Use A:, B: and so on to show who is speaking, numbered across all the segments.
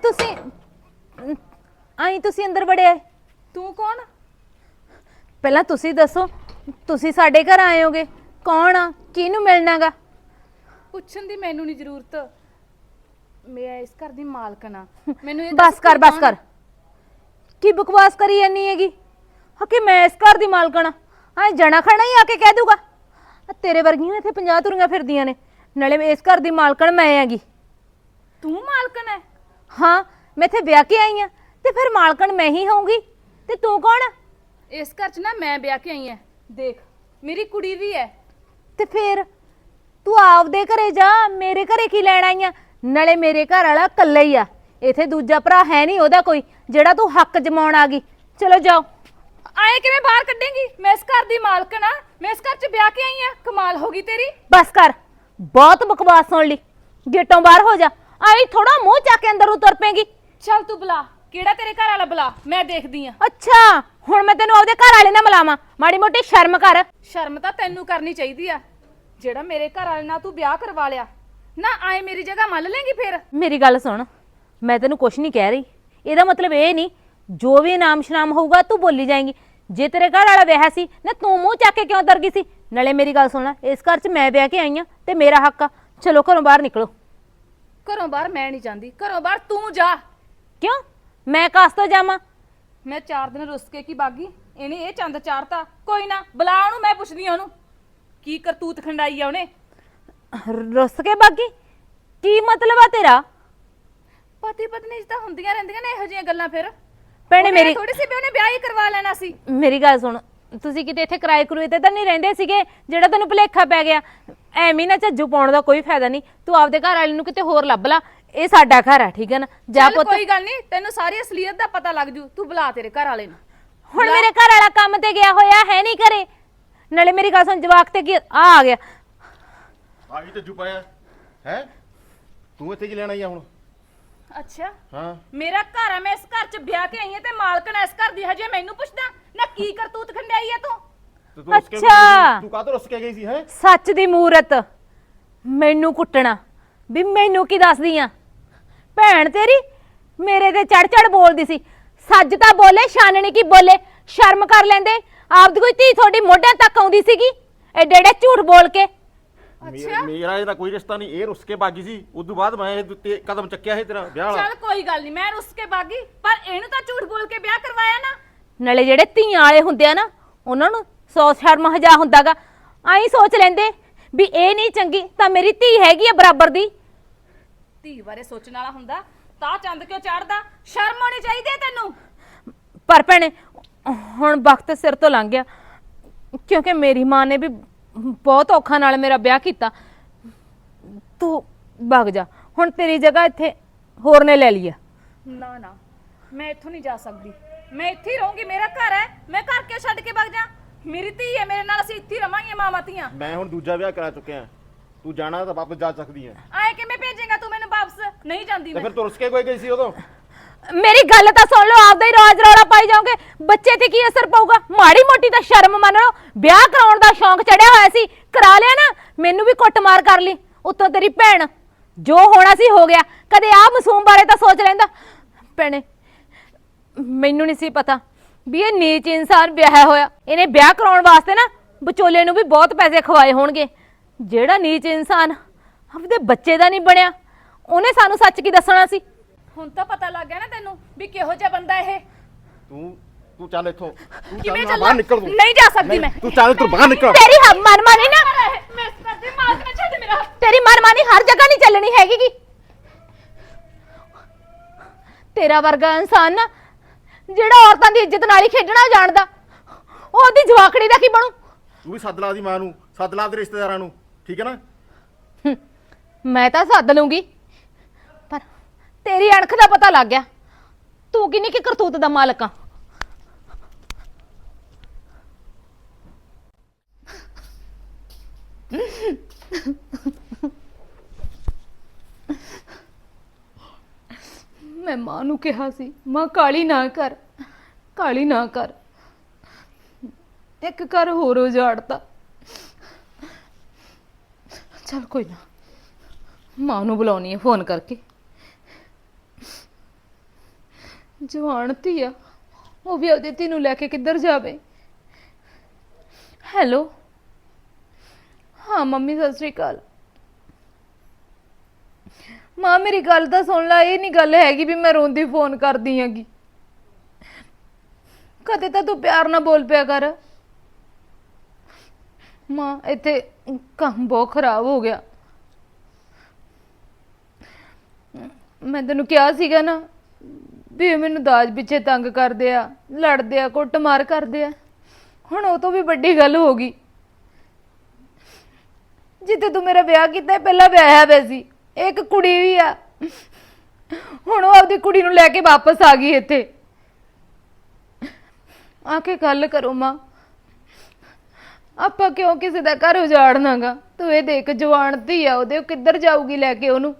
A: ਤੁਸੀਂ ਅੰਦਰ ਵੜਿਆ।
B: ਤੂੰ ਕੌਣ?
A: ਪਹਿਲਾਂ ਤੁਸੀਂ ਦੱਸੋ, ਤੁਸੀਂ ਸਾਡੇ ਘਰ ਆਏ ਹੋਗੇ, ਕੌਣ ਆ, ਕਿਹਨੂੰ ਮਿਲਣਾਗਾ?
B: ਪੁੱਛਣ ਦੀ ਮੈਨੂੰ ਨਹੀਂ ਜ਼ਰੂਰਤ, ਮੈਂ ਇਸ ਘਰ ਦੀ ਮਾਲਕਣ ਆ। ਮੈਨੂੰ ਇਹ
A: ਬਸ ਕਰ ਕੀ ਬਕਵਾਸ ਕਰੀ ਜਾਨੀ ਹੈਗੀ? ਕਿ ਮੈਂ ਇਸ ਘਰ ਦੀ ਮਾਲਕਣ ਆ ਜਣਾ ਖਣਾ ਹੀ ਆ ਕੇ ਕਹਿ ਦੂਗਾ। ਤੇਰੇ ਵਰਗੀਆਂ ਇੱਥੇ 50 ਤੁਰੀਆਂ ਫਿਰਦੀਆਂ ਨੇ, ਨਾਲੇ ਇਸ ਘਰ ਦੀ ਮਾਲਕਣ ਮੈਂ ਹੈਗੀ।
B: ਤੂੰ ਮਾਲਕਣ ਹੈ?
A: ਹਾਂ, ਮੈਂ ਇੱਥੇ ਵਿਆਹ ਕੇ ਆਈ ਆ ਤੇ ਫਿਰ ਮਾਲਕਣ ਮੈਂ ਹੀ ਹੋਊਂਗੀ। ਤੇ ਤੂੰ ਕੌਣ ਆ?
B: ਇਸ ਘਰ 'ਚ ਨਾ ਮੈਂ ਵਿਆਹ ਕੇ ਆਈ ਆ। ਦੇਖ, ਮੇਰੀ ਕੁੜੀ ਵੀ ਹੈ।
A: ਤੇ ਫਿਰ ਤੂੰ ਆਪਦੇ ਘਰੇ ਜਾ, ਮੇਰੇ ਘਰੇ ਕੀ ਲੈਣ ਆਈ ਆ? ਨਾਲੇ ਮੇਰੇ ਘਰ ਵਾਲਾ ਇਕੱਲਾ ਹੀ ਆ, ਇੱਥੇ ਦੂਜਾ ਭਰਾ ਹੈ ਨਹੀਂ ਉਹਦਾ ਕੋਈ ਜਿਹੜਾ ਤੂੰ ਹੱਕ ਜਮਾਉਣ ਆ ਗਈ। ਚਲੋ ਜਾਓ।
B: ਆਏ ਕਿਵੇਂ ਬਾਹਰ ਕੱਢੇਂਗੀ? ਮੈਂ ਇਸ ਘਰ ਦੀ ਮਾਲਕਣ ਆ, ਮੈਂ ਇਸ ਘਰ 'ਚ ਵਿਆਹ ਕੇ ਆਈ ਆ। ਕਮਾਲ ਹੋ ਗਈ ਤੇਰੀ।
A: ਬਸ ਕਰ, ਬਹੁਤ ਬਕਵਾਸ ਸੁਣ ਲਈ, ਗੇਟੋਂ ਬਾਹਰ ਹੋ ਜਾ। ਆਈ ਥੋੜਾ ਮੂੰਹ ਚੱਕ ਕੇ ਅੰਦਰ ਉਤਰ ਪੇਗੀ।
B: ਚੱਲ ਤੂੰ ਬੁਲਾ, ਕਿਹੜਾ ਤੇਰੇ ਘਰ ਵਾਲਾ ਬੁਲਾ, ਮੈਂ ਦੇਖਦੀ ਆ।
A: ਅੱਛਾ, ਹੁਣ ਮੈਂ ਤੈਨੂੰ ਆਪਦੇ ਘਰ ਵਾਲੇ ਨਾਲ ਮਿਲਾਵਾਂ? ਮਾੜੀ ਮੋਟੀ ਸ਼ਰਮ ਕਰ।
B: ਸ਼ਰਮ ਤਾਂ ਤੈਨੂੰ ਕਰਨੀ ਚਾਹੀਦੀ ਆ, ਜਿਹੜਾ ਮੇਰੇ ਘਰ ਵਾਲੇ ਨਾਲ ਤੂੰ ਵਿਆਹ ਕਰਵਾ ਲਿਆ ਨਾ। ਆਏ ਮੇਰੀ ਜਗ੍ਹਾ ਮੰਨ ਲੇਂਗੀ ਫਿਰ?
A: ਮੇਰੀ ਗੱਲ ਸੁਣ, ਮੈਂ ਤੈਨੂੰ ਕੁਛ ਨਹੀਂ ਕਹਿ ਰਹੀ, ਇਹਦਾ ਮਤਲਬ ਇਹ ਨਹੀਂ ਜੋ ਵੀ ਨਾਮ ਸ਼ਨਾਮ ਹੋਊਗਾ ਤੂੰ ਬੋਲੀ ਜਾਏਂਗੀ। ਜੇ ਤੇਰੇ ਘਰ ਵਾਲਾ ਵਿਆਹ ਸੀ ਨਾ, ਤੂੰ ਮੂੰਹ ਚੱਕ ਕੇ ਕਿਉਂ ਦਰ ਗਈ ਸੀ? ਨਾਲੇ ਮੇਰੀ ਗੱਲ ਸੁਣ ਲੈ, ਇਸ ਘਰ 'ਚ ਮੈਂ ਵਿਆਹ ਕੇ ਆਈ ਆ ਤੇ ਮੇਰਾ ਹੱਕ ਆ। ਚਲੋ ਘਰੋਂ ਬਾਹਰ ਨਿਕਲੋ।
B: ਘਰੋਂ ਬਾਹਰ ਮੈਂ ਨਹੀਂ ਜਾਂਦੀ, ਘਰੋਂ ਬਾਹਰ ਤੂੰ ਜਾ।
A: ਕਿਉਂ? ਮੈਂ ਕਾਸ ਤੋਂ ਜਾਵਾਂ?
B: ਮੈਂ 4 ਦਿਨ ਰੁੱਸ ਕੇ ਕੀ ਬਾਗੀ, ਇਹਨੇ ਇਹ ਚੰਦ ਚਾੜਤਾ। ਕੋਈ ਨਾ, ਬੁਲਾ ਉਹਨੂੰ, ਮੈਂ ਪੁੱਛਦੀ ਆ ਉਹਨੂੰ ਕੀ ਕਰਤੂਤ ਖੰਡਾਈ ਆ ਉਹਨੇ।
A: ਰੁੱਸ ਕੇ ਬਾਗੀ? ਕੀ ਮਤਲਬ ਆ ਤੇਰਾ?
B: ਪਤੀ ਪਤਨੀ ਤਾਂ ਹੁੰਦੀਆਂ ਰਹਿੰਦੀਆਂ ਨੇ ਇਹੋ ਜਿਹੀਆਂ ਗੱਲਾਂ। ਫਿਰ
A: ਭੈਣੇ ਮੇਰੀ
B: ਥੋੜੀ ਸੀ ਵੀ ਉਹਨੇ ਵਿਆਹ ਹੀ ਕਰਵਾ ਲੈਣਾ ਸੀ।
A: ਮੇਰੀ ਗੱਲ ਸੁਣ, ਤੁਸੀਂ ਕਿਤੇ ਇੱਥੇ ਕਿਰਾਏ ਕਰੂਏ ਤੇ ਤਾਂ ਨਹੀਂ ਰਹਿੰਦੇ ਸੀਗੇ ਜਿਹੜਾ ਤੈਨੂੰ ਭੁਲੇਖਾ ਪੈ ਗਿਆ? ਐਵੇਂ ਨਾ ਝੱਜੂ ਪਾਉਣ ਦਾ ਕੋਈ ਫਾਇਦਾ ਨਹੀਂ, ਤੂੰ ਆਪਦੇ ਘਰ ਵਾਲੇ ਨੂੰ ਕਿਤੇ ਹੋਰ ਲੱਭ ਲਾ। ਇਹ ਸਾਡਾ ਘਰ ਆ, ਠੀਕ ਹੈ ਨਾ? ਜਾ ਪੁੱਤ।
B: ਕੋਈ ਗੱਲ ਨਹੀਂ, ਤੈਨੂੰ ਸਾਰੀ ਅਸਲੀਅਤ ਦਾ ਪਤਾ ਲੱਗ ਜੂ। ਤੂੰ ਬੁਲਾ ਤੇਰੇ ਘਰ ਵਾਲੇ ਨੂੰ।
A: ਹੁਣ ਮੇਰੇ ਘਰ ਵਾਲਾ ਕੰਮ ਤੇ ਗਿਆ ਹੋਇਆ ਹੈ ਨਹੀਂ ਘਰੇ। ਨਾਲੇ ਮੇਰੀ ਗੱਲ ਸੁਣ, ਜਵਾਕ ਤੇ ਕੀ ਆ ਗਿਆ?
C: ਆ ਗਈ ਝੱਜੂ ਪਾਇਆ ਹੈ? ਤੂੰ ਇੱਥੇ ਕੀ ਲੈਣ ਆਈ ਆ ਹੁਣ?
B: ਅੱਛਾ,
C: ਹਾਂ,
B: ਮੇਰਾ ਘਰ ਆ, ਮੈਂ ਇਸ ਘਰ 'ਚ ਵਿਆਹ ਕੇ ਆਈ ਆ ਤੇ ਮਾਲਕਣ ਇਸ ਘਰ ਦੀ। ਹਜੇ ਮੈਨੂੰ ਪੁੱਛਦਾ ਨਾ ਕੀ ਕਰਤੂਤ ਖੰਡਾਈ ਆ ਤੂੰ?
C: ਤੇ ਤੂੰ ਰੁੱਸ ਕੇ
A: ਅੱਛਾ।
C: ਤੂੰ ਕਾਹਤੋਂ ਰੁੱਸ ਕੇ ਗਈ ਸੀ ਹੈ?
A: ਸੱਚ ਦੀ ਮੂਰਤ ਮੈਨੂੰ ਕੁੱਟਣਾ ਵੀ ਮੈਨੂੰ ਕੀ ਦੱਸਦੀ ਆ? ਭੈਣ ਤੇਰੀ ਮੇਰੇ ਤੇ ਚੜ ਚੜ ਬੋਲਦੀ ਸੀ। ਸੱਜ ਤਾਂ ਬੋਲੇ, ਛਾਨਣੀ ਕੀ ਬੋਲੇ। ਸ਼ਰਮ ਕਰ ਲੈਂਦੇ, ਆਪਦੀ ਕੋਈ ਧੀ ਤੁਹਾਡੀ ਮੋਢਿਆਂ ਤੱਕ ਆਉਂਦੀ ਸੀਗੀ, ਐਡੇ ਐਡੇ ਝੂਠ ਬੋਲ ਕੇ।
C: ਮੇਰਾ ਇਹਦਾ ਕੋਈ ਰਿਸ਼ਤਾ ਨਹੀਂ, ਇਹ ਰੁੱਸ ਕੇ ਭਾਗੀ ਸੀ। ਉਦੋਂ ਬਾਅਦ ਮੈਂ ਇਹ ਉੱਤੇ ਕਦਮ ਚੱਕਿਆ ਸੀ ਤੇਰਾ ਵਿਆਹ ਵਾਲਾ।
B: ਚੱਲ ਕੋਈ ਗੱਲ ਨਹੀਂ, ਮੈਂ ਰੁੱਸ ਕੇ ਬਾਗੀ, ਪਰ ਇਹਨੂੰ ਤਾਂ ਝੂਠ ਬੋਲ ਕੇ ਵਿਆਹ ਕਰਵਾਇਆ ਨਾ।
A: ਨਾਲੇ ਜਿਹੜੇ ਧੀਆਂ ਵਾਲੇ ਹੁੰਦੇ ਆ ਨਾ, ਉਹਨਾਂ ਨੂੰ 100 ਸ਼ਰਮ ਹਜਾ ਹੁੰਦਾਗਾ। ਆਈ ਸੋਚ ਲੈਂਦੇ ਵੀ ਇਹ ਨਹੀਂ ਚੰਗੀ ਤਾਂ ਮੇਰੀ ਧੀ ਹੈਗੀ ਆ ਬਰਾਬਰ ਦੀ।
B: ਧੀ ਬਾਰੇ ਸੋਚਣ ਵਾਲਾ ਹੁੰਦਾ ਤਾਂ ਚੰਦ ਕਿਉਂ ਚੜਦਾ? ਸ਼ਰਮ ਆਉਣੀ ਚਾਹੀਦੀ ਹੈ ਤੈਨੂੰ।
A: ਪਰ ਭੈਣੇ ਹੁਣ ਵਕਤ ਸਿਰ ਤੋਂ ਲੰਘ ਗਿਆ, ਕਿਉਂਕਿ ਮੇਰੀ ਮਾਂ ਨੇ ਵੀ ਬਹੁਤ ਔਖਾ ਨਾਲ ਮੇਰਾ ਵਿਆਹ ਕੀਤਾ। ਤੂੰ ਭੱਗ ਜਾ, ਹੁਣ ਤੇਰੀ ਜਗ੍ਹਾ ਇੱਥੇ ਹੋਰ ਨੇ ਲੈ ਲਈ ਆ।
B: ਨਾ ਨਾ, ਮੈਂ ਇੱਥੋਂ ਨਹੀਂ ਜਾ ਸਕਦੀ, ਮੈਂ ਇੱਥੇ ਹੀ ਰਹੂੰਗੀ। ਮੇਰਾ ਘਰ ਹੈ, ਮੈਂ ਘਰ ਕਿਉਂ ਛੱਡ ਕੇ ਭੱਗ ਜਾ? ਮੇਰੀ ਧੀ ਹੈ ਮੇਰੇ ਨਾਲ, ਅਸੀਂ ਇੱਥੇ ਹੀ ਰਵਾਂਗੇ ਮਾਵਾਂ ਧੀਆਂ।
C: ਮੈਂ ਹੁਣ ਦੂਜਾ ਵਿਆਹ ਕਰਾ ਚੁੱਕਿਆ, ਤੂੰ ਜਾਣਾ ਤਾਂ ਵਾਪਸ ਜਾ ਸਕਦੀ ਹੈ।
B: ਆਏ ਕਿਵੇਂ ਭੇਜੇਗਾ ਤੂੰ ਮੈਨੂੰ ਵਾਪਸ? ਨਹੀਂ ਜਾਂਦੀ
C: ਤੇ
B: ਮੈਂ।
C: ਫਿਰ ਤੂੰ ਰੁੱਸ ਕੇ ਕੋਈ ਗਈ ਸੀ ਉਦੋਂ?
A: ਮੇਰੀ ਗੱਲ ਤਾਂ ਸੁਣ ਲਓ, ਆਪਦਾ ਹੀ ਰਾਜ ਰੌਲਾ ਪਾਈ ਜਾਓਗੇ, ਬੱਚੇ ਤੇ ਕੀ ਅਸਰ ਪਊਗਾ? ਮਾੜੀ ਮੋਟੀ ਤਾਂ ਸ਼ਰਮ ਮੰਨ ਲਓ। ਵਿਆਹ ਕਰਾਉਣ ਦਾ ਸ਼ੌਂਕ ਚੜਿਆ ਹੋਇਆ ਸੀ, ਕਰਾ ਲਿਆ ਨਾ। ਮੈਨੂੰ ਵੀ ਕੁੱਟਮਾਰ ਕਰ ਲਈ, ਉੱਤੋਂ ਤੇਰੀ ਭੈਣ। ਜੋ ਹੋਣਾ ਸੀ ਹੋ ਗਿਆ, ਕਦੇ ਆਹ ਮਾਸੂਮ ਬਾਰੇ ਤਾਂ ਸੋਚ ਲੈਂਦਾ। ਭੈਣੇ ਮੈਨੂੰ ਨਹੀਂ ਸੀ ਪਤਾ ਵੀ ਇਹ ਨੀਚ ਇਨਸਾਨ ਵਿਆਹਿਆ ਹੋਇਆ। ਇਹਨੇ ਵਿਆਹ ਕਰਾਉਣ ਵਾਸਤੇ ਨਾ ਵਿਚੋਲੇ ਨੂੰ ਵੀ ਬਹੁਤ ਪੈਸੇ ਖਵਾਏ ਹੋਣਗੇ। ਜਿਹੜਾ ਨੀਚ ਇਨਸਾਨ ਆਪਦੇ ਬੱਚੇ ਦਾ ਨਹੀਂ ਬਣਿਆ, ਉਹਨੇ ਸਾਨੂੰ ਸੱਚ ਕੀ ਦੱਸਣਾ ਸੀ?
B: ਹੁਣ ਤਾਂ ਪਤਾ ਲੱਗ ਗਿਆ ਨਾ ਤੈਨੂੰ ਵੀ ਕਿਹੋ ਜਿਹਾ ਬੰਦਾ ਇਹ।
C: ਤੂੰ ਚੱਲ ਇੱਥੋਂ, ਤੂੰ
B: ਕਿਵੇਂ
C: ਚੱਲ,
B: ਚੱਲਾਂ?
C: ਬਾਹਰ ਨਿਕਲ ਤੂੰ।
B: ਨਹੀਂ ਜਾ ਸਕਦੀ ਮੈਂ।
C: ਤੂੰ ਚੱਲ, ਤੂੰ ਬਾਹਰ ਨਿਕਲ।
A: ਤੇਰੀ ਮਨਮਾਨੀ ਨਾ,
B: ਮੈਂ ਇਸ ਘਰ ਦੀ ਮਾਲਕ ਨਾ ਛੱਡ ਮੇਰਾ।
A: ਤੇਰੀ ਮਨਮਾਨੀ ਹਰ ਜਗ੍ਹਾ ਨਹੀਂ ਚੱਲਣੀ ਹੈਗੀ ਗੀ। ਤੇਰਾ ਵਰਗਾ ਇਨਸਾਨ ਨਾ ਜਿਹੜਾ ਔਰਤਾਂ ਦੀ ਇੱਜ਼ਤ ਨਾਲ ਹੀ ਖੇਡਣਾ ਜਾਣਦਾ, ਉਹਦੀ ਜਵਾਕੜੀ ਦਾ ਕੀ ਬਣੂ?
C: ਤੂੰ ਵੀ ਸੱਦ ਲਾ ਦੀ ਮਾਂ ਨੂੰ, ਸੱਦ ਲਾ ਦੇ ਰਿਸ਼ਤੇਦਾਰਾਂ ਨੂੰ, ਠੀਕ ਹੈ ਨਾ?
A: ਮੈਂ ਤਾਂ ਸੱਦ ਲੂੰਗੀ, ਪਰ ਤੇਰੀ ਅਣਖ ਦਾ ਪਤਾ ਲੱਗ ਗਿਆ। ਤੂੰ ਕਿੰਨੀ ਕੀ ਕਰਤੂਤ ਦਾ ਮਾਲਕ ਆ।
B: ਮੈਂ ਮਾਂ ਨੂੰ ਕਿਹਾ ਸੀ, ਮਾਂ ਕਾਲੀ ਨਾ ਕਰ, ਕਾਲੀ ਨਾ ਕਰ। ਇੱਕ ਘਰ ਹੋਰ ਉਜਾੜਤਾ। ਚੱਲ ਕੋਈ ਨਾ, ਮਾਂ ਨੂੰ ਬੁਲਾਉਣੀ ਹੈ ਫੋਨ ਕਰਕੇ।
A: ਜਵਾਨ ਧੀ ਆ, ਉਹ ਵੀ ਆਪਦੀ ਧੀ ਨੂੰ ਲੈ ਕੇ ਕਿੱਧਰ ਜਾਵੇ। ਹੈਲੋ, ਹਾਂ ਮੰਮੀ ਸਤਿ ਸ੍ਰੀ ਅਕਾਲ। ਮਾਂ ਮੇਰੀ ਗੱਲ ਤਾਂ ਸੁਣ ਲੈ, ਇਹ ਨਹੀਂ ਗੱਲ ਹੈਗੀ ਵੀ ਮੈਂ ਰੋਂਦੀ ਫੋਨ ਕਰਦੀ ਆਂਗੀ। ਕਦੇ ਤਾਂ ਤੂੰ ਪਿਆਰ ਨਾਲ ਬੋਲ ਪਿਆ ਕਰ। ਮਾਂ ਇੱਥੇ ਕੰਮ ਬਹੁਤ ਖਰਾਬ ਹੋ ਗਿਆ। ਮੈਂ ਤੈਨੂੰ ਕਿਹਾ ਸੀਗਾ ਨਾ ਵੀ ਇਹ ਮੈਨੂੰ ਦਾਜ ਪਿੱਛੇ ਤੰਗ ਕਰਦੇ ਆ, ਲੜਦੇ ਆ, ਕੁੱਟਮਾਰ ਕਰਦੇ ਆ। ਹੁਣ ਉਹ ਤੋਂ ਵੀ ਵੱਡੀ ਗੱਲ ਹੋ ਗਈ। ਜਿੱਥੇ ਤੂੰ ਮੇਰਾ ਵਿਆਹ ਕੀਤਾ ਪਹਿਲਾਂ ਵਿਆਹਿਆ ਹੋਇਆ ਸੀ, ਇੱਕ ਕੁੜੀ ਵੀ ਆ। ਹੁਣ ਉਹ ਆਪਦੀ ਕੁੜੀ ਨੂੰ ਲੈ ਕੇ ਵਾਪਸ ਆ ਗਈ ਇੱਥੇ। ਆ ਕੇ ਗੱਲ ਕਰੋ ਮਾਂ, ਆਪਾਂ ਕਿਉਂ ਕਿਸੇ ਦਾ ਘਰ ਉਜਾੜਨਾਗਾ। ਤੂੰ ਇਹ ਦੇਖ ਜਵਾਨ ਧੀ ਆ ਉਹਦੇ, ਉਹ ਕਿੱਧਰ ਜਾਊਗੀ ਲੈ ਕੇ ਉਹਨੂੰ।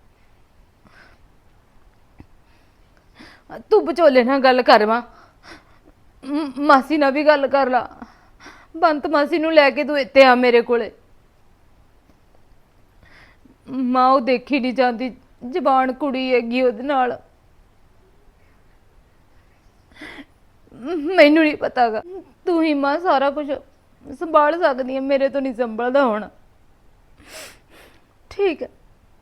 A: ਤੂੰ ਵਿਚੋਲੇ ਨਾਲ ਗੱਲ ਕਰ ਮਾਂ, ਮਾਸੀ ਨਾਲ ਵੀ ਗੱਲ ਕਰ ਲਾ। ਬੰਤ ਮਾਸੀ ਨੂੰ ਲੈ ਕੇ ਤੂੰ ਇੱਥੇ ਆ ਮੇਰੇ ਕੋਲੇ। ਮਾਂ ਉਹ ਦੇਖੀ ਨਹੀਂ ਜਾਂਦੀ, ਜਵਾਨ ਕੁੜੀ ਹੈਗੀ ਉਹਦੇ ਨਾਲ। ਮੈਨੂੰ ਨਹੀਂ ਪਤਾਗਾ, ਤੂੰ ਹੀ ਮਾਂ ਸਾਰਾ ਕੁਝ ਸੰਭਾਲ ਸਕਦੀ ਹੈ, ਮੇਰੇ ਤੋਂ ਨਹੀਂ ਸੰਭਲਦਾ ਹੁਣ। ਠੀਕ ਹੈ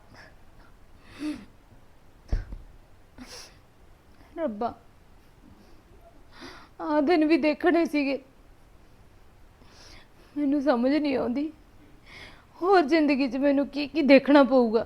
A: ਰੱਬਾ, ਆ ਦਿਨ ਵੀ ਦੇਖਣੇ ਸੀਗੇ। ਮੈਨੂੰ ਸਮਝ ਨਹੀਂ ਆਉਂਦੀ ਹੋਰ ਜ਼ਿੰਦਗੀ 'ਚ ਮੈਨੂੰ ਕੀ ਕੀ ਦੇਖਣਾ ਪਊਗਾ।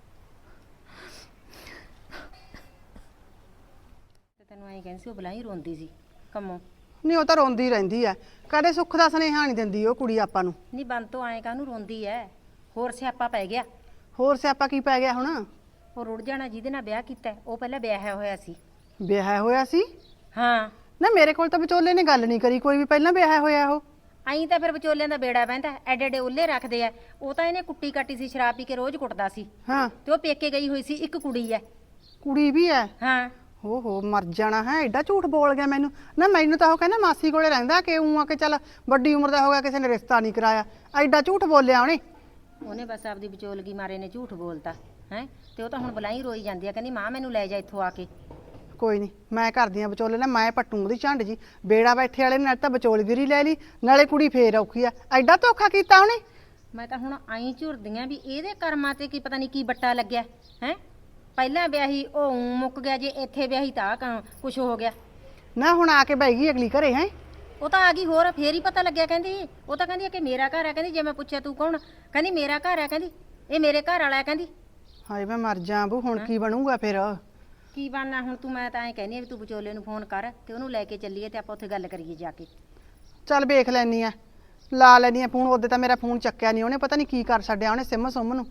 D: ਤੈਨੂੰ ਐਂ ਕਹਿੰਦੀ ਸੀ ਉਹ ਬਲਾਈ ਰੋਂਦੀ ਸੀ ਕੰਮੋਂ।
E: ਨਹੀਂ ਉਹ ਤਾਂ ਰੋਂਦੀ ਰਹਿੰਦੀ ਐ, ਕਦੇ ਸੁੱਖ ਦਾ ਸੁਨੇਹਾ ਨਹੀਂ ਦਿੰਦੀ ਉਹ ਕੁੜੀ ਆਪਾਂ ਨੂੰ।
D: ਨਹੀਂ ਬੰਤੋਂ ਐਂ ਕਾਹਨੂੰ ਰੋਂਦੀ ਐ, ਹੋਰ ਸਿਆਪਾ ਪੈ ਗਿਆ।
E: ਹੋਰ ਸਿਆਪਾ ਕੀ ਪੈ ਗਿਆ ਹੁਣ?
D: ਉਹ ਰੁੜ ਜਾਣਾ ਜਿਹਦੇ ਨਾਲ ਵਿਆਹ ਕੀਤਾ, ਉਹ ਪਹਿਲਾਂ ਵਿਆਹਿਆ ਹੋਇਆ ਸੀ।
E: ਵਿਆਹਿਆ ਹੋਇਆ ਸੀ?
D: ਹਾਂ।
E: ਨਾ ਮੇਰੇ ਕੋਲ ਤਾਂ ਵਿਚੋਲੇ ਨੇ ਗੱਲ ਨਹੀਂ ਕਰੀ ਕੋਈ ਵੀ, ਪਹਿਲਾਂ ਵਿਆਹਿਆ ਹੋਇਆ ਉਹ।
D: ਐਂ ਤਾਂ ਫਿਰ ਵਿਚੋਲਿਆਂ ਦਾ ਬੇੜਾ ਬਹਿੰਦਾ, ਐਡੇ ਐਡੇ ਉੱਲੇ ਰੱਖਦੇ ਆ। ਉਹ ਤਾਂ ਇਹਨੇ ਕੁੱਟੀ ਕਾਟੀ ਸੀ, ਸ਼ਰਾਬ ਪੀ ਕੇ ਰੋਜ਼ ਕੁੱਟਦਾ ਸੀ।
E: ਹਾਂ।
D: ਤੇ ਉਹ ਪੇਕੇ ਗਈ ਹੋਈ ਸੀ, ਇੱਕ ਕੁੜੀ ਐ।
E: ਕੁੜੀ ਵੀ ਐ?
D: ਹਾਂ।
E: ਹੋ ਮਰ ਜਾਣਾ ਹੈ, ਐਡਾ ਝੂਠ ਬੋਲ ਗਿਆ ਮੈਨੂੰ। ਨਾ ਮੈਨੂੰ ਤਾਂ ਉਹ ਕਹਿੰਦਾ ਮਾਸੀ ਕੋਲੇ ਰਹਿੰਦਾ, ਕਿ ਉਹ ਆ ਕੇ ਚੱਲ ਵੱਡੀ ਉਮਰ ਦਾ ਹੋ ਗਿਆ, ਕਿਸੇ ਨੇ ਰਿਸ਼ਤਾ ਨਹੀਂ ਕਰਾਇਆ। ਐਡਾ ਝੂਠ ਬੋਲਿਆ ਉਹਨੇ
D: ਬਸ ਆਪਦੀ ਵਿਚੋਲਗੀ ਮਾਰੇ ਨੇ ਝੂਠ ਬੋਲਤਾ ਹੈ। ਤੇ ਉਹ ਤਾਂ ਹੁਣ ਬਲਾਈ ਰੋਈ ਜਾਂਦੀ ਆ, ਕਹਿੰਦੀ ਮਾਂ ਮੈਨੂੰ ਲੈ ਜਾ ਇੱਥੋਂ ਆ ਕੇ।
E: ਕੋਈ ਨਹੀਂ, ਮੈਂ ਕਰਦੀ ਆ ਵਿਚੋਲੇ ਨਾਲ, ਮੈਂ ਪੱਟੂ ਉਹਦੀ ਝੰਡ ਜੀ। ਬੇੜਾ ਬੈਠੇ ਵਾਲੇ ਨੇ ਤਾਂ ਵਿਚੋਲਗਿਰੀ ਲੈ ਲਈ, ਨਾਲੇ ਕੁੜੀ ਫੇਰ ਔਖੀ ਆ। ਐਡਾ ਧੋਖਾ ਕੀਤਾ ਉਹਨੇ।
D: ਮੈਂ ਤਾਂ ਹੁਣ ਆਈ ਝੁਰਦੀਆਂ ਵੀ ਇਹਦੇ ਕਰਮਾਂ ਤੇ ਕੀ ਪਤਾ ਨਹੀਂ ਕੀ ਬੱਟਾ ਲੱਗਿਆ ਹੈ। ਪਹਿਲਾਂ ਵਿਆਹੀ ਉਹ ਮੁੱਕ ਗਿਆ, ਜੇ ਇੱਥੇ ਵਿਆਹੀ ਤਾਂ ਕੁਛ ਹੋ ਗਿਆ
E: ਨਾ। ਹੁਣ ਆ ਕੇ ਬਹਿ ਗਈ ਅਗਲੀ ਘਰੇ ਹੈ।
D: ਉਹ ਤਾਂ ਆ ਗਈ, ਹੋਰ ਫੇਰ ਹੀ ਪਤਾ ਲੱਗਿਆ। ਕਹਿੰਦੀ ਉਹ ਤਾਂ ਕਹਿੰਦੀ ਕਿ ਮੇਰਾ ਘਰ ਆ। ਕਹਿੰਦੀ ਜੇ ਮੈਂ ਪੁੱਛਿਆ ਤੂੰ ਕੌਣ, ਕਹਿੰਦੀ ਮੇਰਾ ਘਰ ਆ। ਕਹਿੰਦੀ ਇਹ ਮੇਰੇ ਘਰ ਵਾਲਾ। ਕਹਿੰਦੀ
E: ਹਾਏ ਮੈਂ ਮਰ ਜਾ ਬੂ, ਹੁਣ ਕੀ ਬਣੂਗਾ ਫਿਰ?
D: ਕੀ ਬਣਨਾ ਹੁਣ? ਤੂੰ ਮੈਂ ਤਾਂ ਐਂ ਕਹਿੰਦੀ ਆ ਵੀ ਤੂੰ ਵਿਚੋਲੇ ਨੂੰ ਫੋਨ ਕਰ ਤੇ ਉਹਨੂੰ ਲੈ ਕੇ ਚੱਲੀਏ ਤੇ ਆਪਾਂ ਉੱਥੇ ਗੱਲ ਕਰੀਏ ਜਾ ਕੇ।
E: ਚੱਲ ਵੇਖ ਲੈਣੀ ਆ, ਲਾ ਲੈਣੀ ਆ ਫੋਨ। ਉਹਦੇ ਤਾਂ ਮੇਰਾ ਫੋਨ ਚੱਕਿਆ ਨਹੀਂ ਉਹਨੇ, ਪਤਾ ਨਹੀਂ ਕੀ ਕਰ ਛੱਡਿਆ ਉਹਨੇ ਸਿਮ ਸੁਮ ਨੂੰ।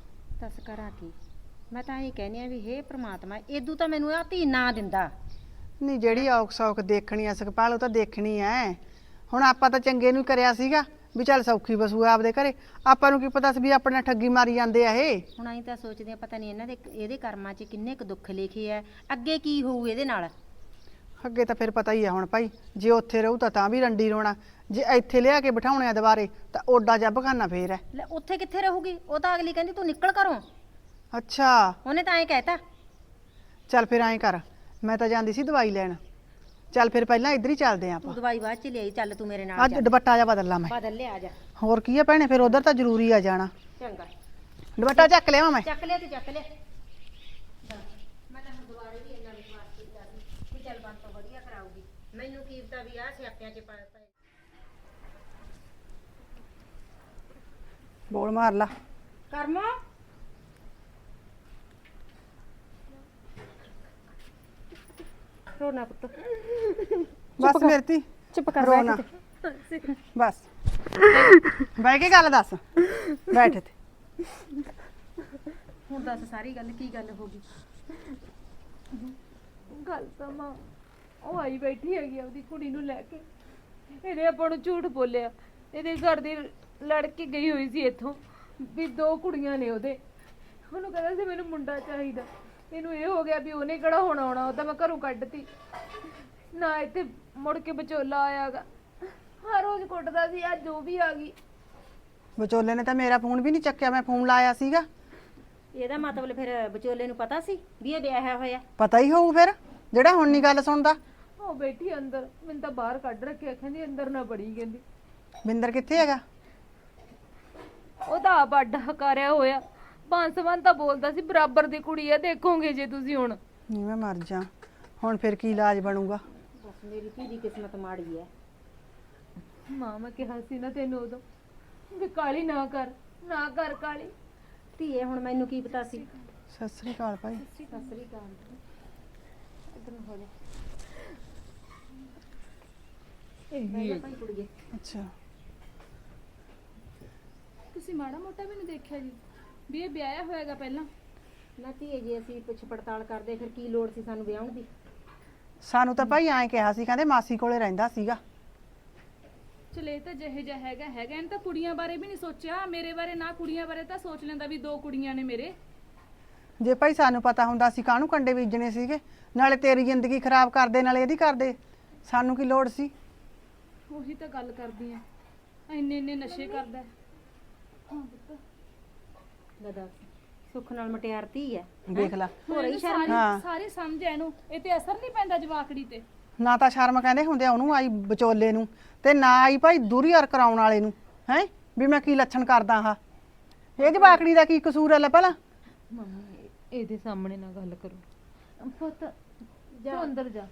D: ਦੱਸ ਕਰਾਂ ਕੀ? ਮੈਂ ਤਾਂ ਇਹ ਕਹਿੰਦੀ ਆ ਵੀ ਹੇ ਪ੍ਰਮਾਤਮਾ, ਏਦੂ ਤਾਂ ਮੈਨੂੰ ਆ ਧੀ ਨਾ ਦਿੰਦਾ।
E: ਨਹੀਂ ਜਿਹੜੀ ਔਖ ਸੌਖ ਦੇਖਣੀ ਆ ਸੁਖਪਾਲ, ਉਹ ਤਾਂ ਦੇਖਣੀ ਐ। ਹੁਣ ਆਪਾਂ ਤਾਂ ਚੰਗੇ ਨੂੰ ਕਰਿਆ ਸੀਗਾ ਵੀ ਚੱਲ ਸੌਖੀ ਬਸੂ ਆਪਦੇ ਘਰੇ। ਆਪਾਂ ਨੂੰ ਕੀ ਪਤਾ ਸੀ ਵੀ ਆਪਣੇ ਨਾਲ ਠੱਗੀ ਮਾਰੀ ਜਾਂਦੇ ਆ ਇਹ।
D: ਹੁਣ ਅਸੀਂ ਤਾਂ ਸੋਚਦੇ ਆ ਪਤਾ ਨਹੀਂ ਇਹਨਾਂ ਦੇ ਇਹਦੇ ਕਰਮਾਂ 'ਚ ਕਿੰਨੇ ਕੁ ਦੁੱਖ ਲਿਖੇ ਆ, ਅੱਗੇ ਕੀ ਹੋਊ ਇਹਦੇ ਨਾਲ।
E: ਅੱਗੇ ਤਾਂ ਫਿਰ ਪਤਾ ਹੀ ਆ ਹੁਣ ਭਾਈ, ਜੇ ਉੱਥੇ ਰਹੂ ਤਾਂ ਵੀ ਰੰਡੀ ਰੋਣਾ, ਜੇ ਇੱਥੇ ਲਿਆ ਕੇ ਬਿਠਾਉਣੇ ਆ ਦੁਬਾਰੇ ਤਾਂ ਓਡਾ ਜੱਬ ਖਾਨਾ ਫੇਰ ਐ।
D: ਲੈ ਉੱਥੇ ਕਿੱਥੇ ਰਹੂਗੀ? ਉਹ ਤਾਂ ਅਗਲੀ ਕਹਿੰਦੀ ਤੂੰ ਨਿਕਲ ਘਰੋਂ।
E: ਅੱਛਾ,
D: ਉਹਨੇ ਤਾਂ ਐਂ ਕਹਿਤਾ।
E: ਚੱਲ ਫਿਰ ਐਂ ਕਰ, ਮੈਂ ਤਾਂ ਜਾਂਦੀ ਸੀ ਦਵਾਈ ਲੈਣ। ਚੱਲ ਫਿਰ ਪਹਿਲਾਂ ਇੱਧਰ ਹੀ ਚੱਲਦੇ ਆਂ
D: ਤੂੰ
E: ਆਪਾਂ।
D: ਦਵਾਈ ਬਾਅਦ 'ਚ ਲਿਆਈ, ਚੱਲ ਤੂੰ ਮੇਰੇ ਨਾਲ
E: ਅੱਜ
D: ਚੱਲ।
E: ਦੁਪੱਟਾ ਜਾ ਬਦਲ ਲਾ ਮੈਂ।
D: ਬਦਲ ਲਿਆ ਜਾ।
E: ਹੋਰ ਕੀ ਆ ਭੈਣੇ, ਫਿਰ ਉਧਰ ਤਾਂ ਜ਼ਰੂਰੀ ਆ ਜਾਣਾ।
D: ਚੰਗਾ,
E: ਦੁਪੱਟਾ ਚੱਕ ਲਿਆਵਾਂ ਮੈਂ।
D: ਚੱਕ ਲਿਆ ਤੇ ਚੱਕ ਲਿਆ। ਮੈਂ ਤਾਂ ਹੁਣ ਦੁਬਾਰੇ ਵੀ ਇੰਨਾ ਵਿਸ਼ਵਾਸ ਕੀਤਾ ਸੀ ਕਿ ਚੱਲ ਬੰਦ ਤੋਂ ਵਧੀਆ ਕਰਾਊਗੀ। ਮੈਨੂੰ ਕੀ ਪਤਾ ਵੀ ਆਹ ਸਿਆਪਿਆਂ 'ਚ ਪਏ।
E: ਬੋਲ ਮਾਰ ਲਾ।
D: ਕਰਮੋ ਰੋਣਾ ਪੁੱਤ,
E: ਬਸ ਮੇਰੀ ਧੀ
D: ਚੁੱਪ ਕਰ
E: ਰੋਣਾ। ਬਸ ਬਹਿ ਕੇ ਗੱਲ ਦੱਸ, ਬੈਠ ਇੱਥੇ।
D: ਹੁਣ ਦੱਸ ਸਾਰੀ ਗੱਲ, ਕੀ ਗੱਲ ਹੋ ਗਈ?
A: ਗੱਲ ਤਾਂ ਮਾਂ ਉਹ ਆਈ ਬੈਠੀ ਹੈਗੀ ਆਪਦੀ ਕੁੜੀ ਨੂੰ ਲੈ ਕੇ। ਇਹਨੇ ਆਪਾਂ ਨੂੰ ਝੂਠ ਬੋਲਿਆ। ਇਹਦੇ ਘਰ ਦੀ ਲੜਕੀ ਗਈ ਹੋਈ ਸੀ ਇੱਥੋਂ ਵੀ 2 ਕੁੜੀਆਂ ਨੇ ਉਹਦੇ। ਉਹਨੂੰ ਕਹਿੰਦਾ ਸੀ ਮੈਨੂੰ ਮੁੰਡਾ ਚਾਹੀਦਾ। ਇਹਨੂੰ ਇਹ ਹੋ ਗਿਆ ਵੀ ਉਹਨੇ ਕਿਹੜਾ ਹੁਣ ਆਉਣਾ, ਉਹ ਤਾਂ ਮੈਂ ਘਰੋਂ ਕੱਢਤੀ ਨਾ। ਇੱਥੇ ਮੁੜ ਕੇ ਵਿਚੋਲਾ ਆਇਆਗਾ, ਹਰ ਰੋਜ਼ ਕੁੱਟਦਾ ਸੀ। ਅੱਜ ਉਹ ਵੀ ਆ ਗਈ।
E: ਵਿਚੋਲੇ ਨੇ ਤਾਂ ਮੇਰਾ ਫੋਨ ਵੀ ਨਹੀਂ ਚੱਕਿਆ, ਮੈਂ ਫੋਨ ਲਾਇਆ ਸੀਗਾ।
D: ਇਹਦਾ ਮਤਲਬ ਫਿਰ ਵਿਚੋਲੇ ਨੂੰ ਪਤਾ ਸੀ ਵੀ ਇਹ ਵਿਆਹਿਆ ਹੋਇਆ?
E: ਪਤਾ ਹੀ ਹੋਊ ਫਿਰ। ਜਿਹੜਾ ਹੁਣ ਨਹੀਂ ਗੱਲ ਸੁਣਦਾ।
A: ਉਹ ਬੈਠੀ ਅੰਦਰ, ਮੈਨੂੰ ਤਾਂ ਬਾਹਰ ਕੱਢ ਰੱਖਿਆ, ਕਹਿੰਦੀ ਅੰਦਰ ਨਾ ਬੜੀ, ਕਹਿੰਦੀ
E: ਬਿੰਦਰ ਕਿੱਥੇ ਹੈਗਾ?
A: ਉਹਦਾ ਆਪ ਅੱਡ ਹਕਾਰਿਆ ਹੋਇਆ। ਬਾਂਸਵਾਨ ਤਾਂ ਬੋਲਦਾ ਸੀ ਬਰਾਬਰ ਦੀ ਕੁੜੀ ਆ, ਦੇਖੋਗੇ ਜੇ ਤੁਸੀਂ ਹੁਣ।
E: ਨਹੀਂ ਮੈਂ ਮਰ ਜਾ, ਹੁਣ ਫਿਰ ਕੀ ਇਲਾਜ ਬਣੂਗਾ?
D: ਬਸ ਮੇਰੀ ਧੀ ਦੀ ਕਿਸਮਤ ਮਾੜੀ ਹੈ।
A: ਮਾਂ ਮੈਂ ਕਿਹਾ ਸੀ ਨਾ ਤੈਨੂੰ ਉਦੋਂ ਵੀ ਕਾਲੀ ਨਾ ਕਰ, ਨਾ ਕਰ ਕਾਲੀ।
D: ਧੀਏ ਹੁਣ ਮੈਨੂੰ ਕੀ ਪਤਾ ਸੀ।
E: ਸਤਿ ਸ੍ਰੀ ਅਕਾਲ ਭਾਈ।
D: ਸਤਿ ਸ੍ਰੀ ਅਕਾਲ। ਇਧਰ ਨੂੰ ਹੋ ਜਾ। ਭਾਈ ਕੁੜੀਏ,
E: ਅੱਛਾ
B: ਤੁਸੀਂ ਮਾੜਾ ਮੋਟਾ ਵੀ ਨਹੀਂ ਦੇਖਿਆ ਜੀ ਵੀ ਇਹ ਵਿਆਹਿਆ ਹੋਏਗਾ ਪਹਿਲਾਂ?
D: ਨਾ ਧੀਏ ਜੇ ਅਸੀਂ ਪੁੱਛ ਪੜਤਾਲ ਕਰਦੇ ਫਿਰ ਕੀ ਲੋੜ ਸੀ ਸਾਨੂੰ ਵਿਆਹਣ ਦੀ?
E: ਸਾਨੂੰ ਤਾਂ ਭਾਈ ਐਂ ਕਿਹਾ ਸੀ, ਕਹਿੰਦੇ ਮਾਸੀ ਕੋਲੇ ਰਹਿੰਦਾ ਸੀਗਾ।
B: ਚਲੇ ਤਾਂ ਜਿਹੇ ਜਿਹਾ ਹੈਗਾ ਇਹਨੇ ਤਾਂ ਕੁੜੀਆਂ ਬਾਰੇ ਵੀ ਨਹੀਂ ਸੋਚਿਆ, ਮੇਰੇ ਬਾਰੇ ਨਾ ਕੁੜੀਆਂ ਬਾਰੇ ਤਾਂ ਸੋਚ ਲੈਂਦਾ ਵੀ 2 ਕੁੜੀਆਂ ਨੇ ਮੇਰੇ।
E: ਜੇ ਭਾਈ ਸਾਨੂੰ ਪਤਾ ਹੁੰਦਾ ਸੀ ਕਾਹਨੂੰ ਕੰਡੇ ਬੀਜਣੇ ਸੀਗੇ, ਨਾਲੇ ਤੇਰੀ ਜ਼ਿੰਦਗੀ ਖਰਾਬ ਕਰਦੇ ਨਾਲੇ ਇਹਦੀ ਕਰਦੇ, ਸਾਨੂੰ ਕੀ ਲੋੜ ਸੀ?
B: ਉਹੀ ਤਾਂ ਗੱਲ ਕਰਦੀ ਆ, ਇੰਨੇ ਨਸ਼ੇ ਕਰਦਾ ਹੈ। ਹਾਂ ਪੁੱਤ,
D: ਲੈ ਦੱਸ, ਸੁੱਖ ਨਾਲ ਮਟਿਆਰ ਧੀ ਹੈ।
E: ਦੇਖ ਲੈ,
B: ਹੋਰ ਹੀ
E: ਹਾਂ।
B: ਸਾਰੇ ਸਮਝ ਐ ਇਹਨੂੰ, ਇਹ ਤੇ ਅਸਰ ਨਹੀਂ ਪੈਂਦਾ ਜਵਾਕੜੀ ਤੇ।
E: ਨਾ ਤਾਂ ਸ਼ਰਮ ਕਹਿੰਦੇ ਹੁੰਦੇ ਆ ਉਹਨੂੰ ਆਈ ਵਿਚੋਲੇ ਨੂੰ, ਤੇ ਨਾ ਆਈ ਭਾਈ ਦੂਰੀ ਹਰ ਕਰਾਉਣ ਵਾਲੇ ਨੂੰ। ਹੈ ਵੀ ਮੈਂ ਕੀ ਲੱਛਣ ਕਰਦਾ ਹਾਂ? ਇਹ ਜਵਾਕੜੀ ਦਾ ਕੀ ਕਸੂਰ ਹੈ? ਲੈ ਭਲਾ
A: ਮੰਮੀ ਇਹਦੇ ਸਾਹਮਣੇ ਨਾ ਗੱਲ ਕਰੋ। ਪੁੱਤ ਜਾ ਅੰਦਰ ਜਾ।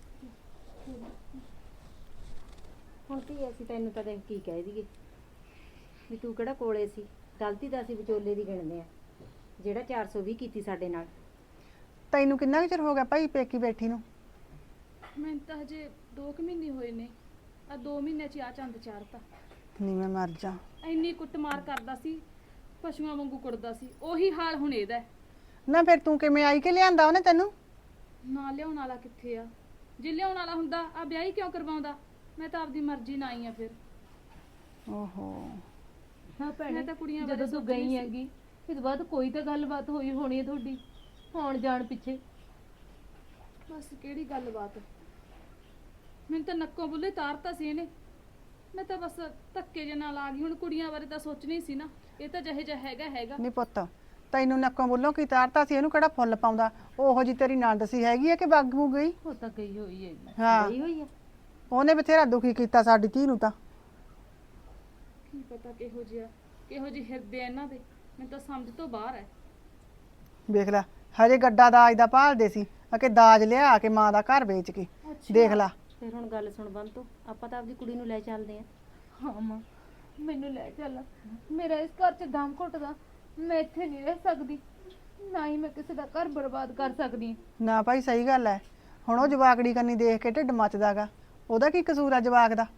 D: ਹੁਣ ਧੀਏ ਅਸੀਂ ਤੈਨੂੰ ਤਾਂ ਦੇਖ ਕੀ ਕਹਿ ਦਈਏ ਵੀ ਤੂੰ ਕਿਹੜਾ ਕੋਲੇ ਸੀ। ਗਲਤੀ ਤਾਂ ਅਸੀਂ ਵਿਚੋਲੇ ਦੀ ਗਿਣਦੇ ਆ, ਜਿਹੜਾ 420 ਕੀਤੀ ਸਾਡੇ ਨਾਲ।
E: ਤੈਨੂੰ ਕਿੰਨਾ ਕੁ ਚਿਰ ਹੋ ਗਿਆ ਭਾਈ ਪੇਕੀ ਬੈਠੀ ਨੂੰ?
B: ਮੈਨੂੰ ਤਾਂ ਹਜੇ 2 ਮਹੀਨੇ ਹੋਏ ਨੇ, ਆ 2 ਮਹੀਨੇ ਚ ਆ ਚੰਦ ਚਾੜਤਾ।
E: ਨਹੀਂ ਮੈਂ ਮਰ ਜਾ।
B: ਇੰਨੀ ਕੁੱਟਮਾਰ ਕਰਦਾ ਸੀ, ਪਸ਼ੂਆਂ ਵਾਂਗੂ ਕੁੱਟਦਾ ਸੀ, ਉਹੀ ਹਾਲ ਹੁਣ ਇਹਦਾ ਹੈ।
E: ਨਾ ਫਿਰ ਤੂੰ ਕਿਵੇਂ ਆਈ ਕਿ ਲਿਆਂਦਾ ਉਹਨੇ ਤੈਨੂੰ?
B: ਨਾ ਲਿਆਉਣ ਵਾਲਾ ਕਿੱਥੇ ਆ? ਜੇ ਲਿਆਉਣ ਵਾਲਾ ਹੁੰਦਾ ਆ ਵਿਆਹ ਕਿਉਂ ਕਰਵਾਉਂਦਾ? ਮੈਂ ਤਾਂ ਆਪਦੀ ਮਰਜ਼ੀ ਨਾਲ ਆਈ ਆ ਫਿਰ।
E: ਓਹੋ
A: ਹਾਂ ਭੈਣੇ,
B: ਮੈਂ ਤਾਂ ਕੁੜੀਆਂ
A: ਜਦੋਂ
B: ਬਾਰੇ
A: ਤੂੰ
B: ਸੋਚਦੀ
A: ਗਈ
B: ਸੀ।
A: ਹੈਗੀ ਇਸ ਤੋਂ ਬਾਅਦ ਕੋਈ ਤਾਂ ਗੱਲਬਾਤ ਹੋਈ ਹੋਣੀ ਹੈ ਤੁਹਾਡੀ ਆਉਣ ਜਾਣ ਪਿੱਛੇ।
B: ਬਸ ਕਿਹੜੀ ਗੱਲਬਾਤ, ਮੈਨੂੰ ਤਾਂ ਨੱਕੋਂ ਬੁੱਲੇ ਤਾਰਤਾ ਸੀ ਇਹਨੇ। ਮੈਂ ਤਾਂ ਬਸ ਧੱਕੇ ਜੇ ਨਾਲ ਆ ਗਈ। ਹੁਣ ਕੁੜੀਆਂ ਬਾਰੇ ਤਾਂ ਸੋਚਣੀ ਸੀ ਨਾ, ਇਹ ਤਾਂ ਜਿਹੇ ਜਿਹਾ ਹੈਗਾ।
E: ਨਹੀਂ ਪੁੱਤ, ਤੈਨੂੰ ਨੱਕੋਂ ਬੋਲੋਂ ਕੀ ਤਾਰਤਾ ਸੀ? ਇਹਨੂੰ ਕਿਹੜਾ ਫੁੱਲ ਪਾਉਂਦਾ? ਉਹੋ ਜੀ ਤੇਰੀ ਨੰਦ ਸੀ ਹੈਗੀ ਹੈ ਕਿ ਬਾਗੂ ਗਈ?
A: ਉਹ ਤਾਂ ਗਈ ਹੋਈ ਹੈ।
E: ਹਾਂ
D: ਗਈ ਹੋਈ ਆ।
E: ਉਹਨੇ ਬਥੇਰਾ ਦੁਖੀ ਕੀਤਾ ਸਾਡੀ ਧੀ ਨੂੰ ਤਾਂ।
B: ਕੀ ਪਤਾ ਕਿਹੋ ਜਿਹੇ ਹਿਰਦੇ ਆ ਇਹਨਾਂ ਦੇ, ਮੈਨੂੰ ਤਾਂ ਸਮਝ ਤੋਂ ਬਾਹਰ ਹੈ।
E: ਵੇਖ ਲੈ, ਹਜੇ ਗੱਡਾ ਦਾਜ ਦਾ ਭਾਲਦੇ ਸੀ ਕਿ ਦਾਜ ਲਿਆ ਕੇ ਮਾਂ ਦਾ ਘਰ ਵੇਚ ਕੇ। ਦੇਖ ਲੈ,
D: ਫਿਰ ਹੁਣ ਗੱਲ ਸੁਣ ਬੰਤੋ, ਆਪਾਂ ਤਾਂ ਆਪਦੀ ਕੁੜੀ ਨੂੰ ਲੈ ਚੱਲਦੇ ਆ।
A: ਹਾਂ ਮਾਂ ਮੈਨੂੰ ਲੈ ਚੱਲ, ਮੇਰਾ ਇਸ ਘਰ 'ਚ ਦਮ ਘੁੱਟਦਾ, ਮੈਂ ਇੱਥੇ ਨਹੀਂ ਰਹਿ ਸਕਦੀ, ਨਾ ਹੀ ਮੈਂ ਕਿਸੇ ਦਾ ਘਰ ਬਰਬਾਦ ਕਰ ਸਕਦੀ।
E: ਨਾ ਭਾਈ ਸਹੀ ਗੱਲ ਹੈ। ਹੁਣ ਉਹ ਜਵਾਕੜੀ ਕੰਨੀ ਦੇਖ ਕੇ ਢਿੱਡ ਮੱਚਦਾਗਾ, ਉਹਦਾ ਕੀ ਕਸੂਰ ਆ ਜਵਾਕ ਦਾ?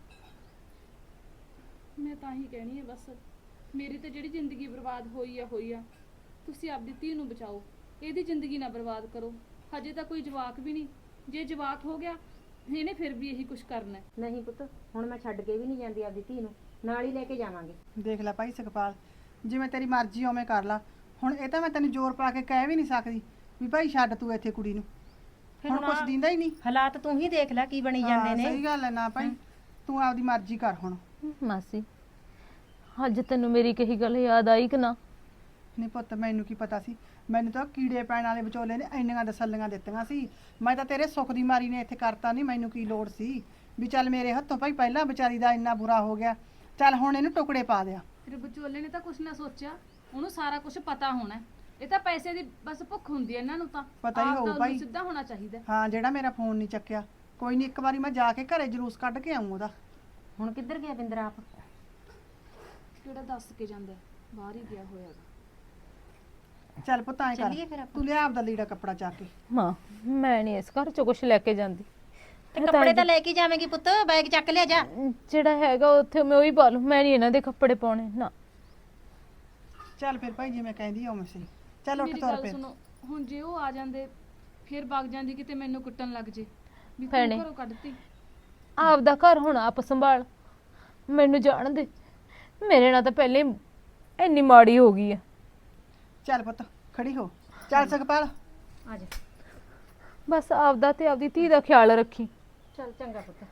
B: ਮੈਂ ਤਾਂ ਹੀ ਕਹਿਣੀ ਹੈ ਬਸ, ਮੇਰੀ ਤਾਂ ਜਿਹੜੀ ਜ਼ਿੰਦਗੀ ਬਰਬਾਦ ਹੋਈ ਆ, ਤੁਸੀਂ ਆਪਦੀ ਧੀ ਨੂੰ ਬਚਾਓ, ਇਹਦੀ ਜ਼ਿੰਦਗੀ ਨਾ ਬਰਬਾਦ ਕਰੋ। ਹਜੇ ਤਾਂ ਕੋਈ ਜਵਾਕ ਵੀ ਨਹੀਂ, ਜੇ ਜਵਾਕ ਹੋ ਗਿਆ ਇਹਨੇ ਫਿਰ ਵੀ ਇਹੀ ਕੁਝ ਕਰਨਾ ਹੈ।
D: ਨਹੀਂ ਪੁੱਤ, ਹੁਣ ਮੈਂ ਛੱਡ ਕੇ ਵੀ ਨਹੀਂ ਜਾਂਦੀ ਆਪਦੀ ਧੀ ਨੂੰ, ਨਾਲ ਹੀ ਲੈ ਕੇ ਜਾਵਾਂਗੇ।
E: ਦੇਖ ਲੈ ਭਾਈ ਸੁਖਪਾਲ, ਜਿਵੇਂ ਤੇਰੀ ਮਰਜ਼ੀ ਉਵੇਂ ਕਰ ਲਾ। ਹੁਣ ਇਹ ਤਾਂ ਮੈਂ ਤੈਨੂੰ ਜ਼ੋਰ ਪਾ ਕੇ ਕਹਿ ਵੀ ਨਹੀਂ ਸਕਦੀ ਵੀ ਭਾਈ ਛੱਡ ਤੂੰ ਇੱਥੇ ਕੁੜੀ ਨੂੰ। ਹੁਣ ਕੁਛ ਦਿੰਦਾ ਹੀ ਨਹੀਂ।
D: ਹਾਲਾਤ ਤੂੰ ਹੀ ਦੇਖ ਲੈ ਕੀ ਬਣੀ ਜਾਂਦੇ ਨੇ।
E: ਸਹੀ ਗੱਲ ਹੈ। ਨਾ ਭਾਈ ਤੂੰ ਆਪਦੀ ਮਰਜ਼ੀ ਕਰ ਹੁਣ।
A: ਮਾਸੀ ਅੱਜ ਤੈਨੂੰ ਮੇਰੀ ਕਹੀ ਗੱਲ ਯਾਦ ਆਈ ਕਿ ਨਾ?
E: ਨਹੀਂ ਪੁੱਤ, ਮੈਨੂੰ ਕੀ ਪਤਾ ਸੀ? ਮੈਨੂੰ ਤਾਂ ਕੀੜੇ ਪੈਣ ਵਾਲੇ ਵਿਚੋਲੇ ਨੇ ਇੰਨੀਆਂ ਤਸੱਲੀਆਂ ਦਿੱਤੀਆਂ ਸੀ। ਮੈਂ ਤਾਂ ਤੇਰੇ ਸੁੱਖ ਦੀ ਮਾਰੀ ਨੇ ਇੱਥੇ ਕਰਤਾ। ਨਹੀਂ ਮੈਨੂੰ ਕੀ ਲੋੜ ਸੀ ਵੀ ਚੱਲ ਮੇਰੇ ਹੱਥੋਂ ਭਾਈ ਪਹਿਲਾਂ ਵਿਚਾਰੀ ਦਾ ਇੰਨਾ ਬੁਰਾ ਹੋ ਗਿਆ, ਚੱਲ ਹੁਣ ਇਹਨੂੰ ਟੁਕੜੇ ਪਾ ਦਿਆ।
B: ਫਿਰ ਵਿਚੋਲੇ ਨੇ ਤਾਂ ਕੁਝ ਨਾ ਸੋਚਿਆ, ਉਹਨੂੰ ਸਾਰਾ ਕੁਝ ਪਤਾ ਹੋਣਾ। ਇਹ ਤਾਂ ਪੈਸੇ ਦੀ ਬਸ ਭੁੱਖ ਹੁੰਦੀ ਹੈ ਇਹਨਾਂ ਨੂੰ, ਤਾਂ
E: ਪਤਾ ਹੀ
B: ਆਪ
E: ਹੋਊ
B: ਤਾਂ
E: ਭਾਈ।
B: ਉਹਨੂੰ ਸਿੱਧਾ ਹੋਣਾ ਚਾਹੀਦਾ।
E: ਹਾਂ, ਜਿਹੜਾ ਮੇਰਾ ਫੋਨ ਨਹੀਂ ਚੱਕਿਆ, ਕੋਈ ਨਹੀਂ, ਇੱਕ ਵਾਰੀ ਮੈਂ ਜਾ ਕੇ ਘਰੇ ਜਲੂਸ ਕੱਢ ਕੇ ਆਊਂ ਉਹਦਾ।
D: ਹੁਣ ਕਿੱਧਰ ਗਿਆ ਬਿੰਦਰ ਆਪ?
B: ਕਿਹੜਾ ਦੱਸ ਕੇ ਜਾਂਦਾ, ਬਾਹਰ ਹੀ ਗਿਆ ਹੋਇਆ।
E: ਚੱਲ ਪੁੱਤ ਐਂ ਕਰ,
D: ਚੱਲੀਏ ਫਿਰ ਆਪਾਂ।
E: ਤੂੰ ਲਿਆ ਆਪਦਾ ਲੀੜਾ ਕੱਪੜਾ ਚੱਕ ਕੇ।
A: ਮਾਂ ਮੈਂ ਨਹੀਂ ਇਸ ਘਰ 'ਚ ਕੁਝ ਲੈ ਕੇ ਜਾਂਦੀ।
D: ਤੇ ਕੱਪੜੇ ਤਾਂ ਲੈ ਕੇ ਜਾਵੇਂਗੀ ਪੁੱਤ, ਬੈਗ ਚੱਕ ਲਿਆ ਜਾ।
A: ਜਿਹੜਾ ਹੈਗਾ ਉੱਥੇ ਮੈਂ ਉਹੀ ਪਾ ਲੂ, ਮੈਂ ਨਹੀਂ ਇਹਨਾਂ ਦੇ ਕੱਪੜੇ ਪਾਉਣੇ ਨਾ।
E: ਚੱਲ ਫਿਰ ਭਾਈ ਜਿਵੇਂ ਕਹਿੰਦੀ ਉਵੇਂ ਸਹੀ। ਚੱਲ ਉੱਠ
B: ਮੇਰੀ
E: ਤੁਰ
B: ਗੱਲ
E: ਪਏ।
B: ਸੁਣੋ, ਹੁਣ ਜੇ ਉਹ ਆ ਜਾਂਦੇ ਫਿਰ ਵਗ ਜਾਂਦੀ ਕਿਤੇ ਮੈਨੂੰ ਕੁੱਟਣ ਲੱਗ ਜੇ ਵੀ
A: ਭੈਣੇ।
B: ਤੂੰ ਘਰੋਂ ਕੱਢਤੀ।
A: ਆਪਦਾ ਘਰ ਹੁਣ ਆਪ ਸੰਭਾਲ, ਮੈਨੂੰ ਜਾਣ ਦੇ। ਮੇਰੇ ਨਾਲ ਤਾਂ ਪਹਿਲੇ ਹੀ ਇੰਨੀ ਮਾੜੀ ਹੋ ਗਈ ਆ।
E: ਚੱਲ ਪੁੱਤ ਖੜੀ ਹੋ। ਚੱਲ ਸੁਖਪਾਲ,
D: ਆ ਜਾ।
A: ਬਸ ਆਪਦਾ ਤੇ ਆਪਦੀ ਧੀ ਦਾ ਖਿਆਲ ਰੱਖੀ।
D: ਚੱਲ ਚੰਗਾ ਪੁੱਤ,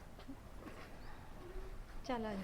D: ਚੱਲ ਆ ਜਾ।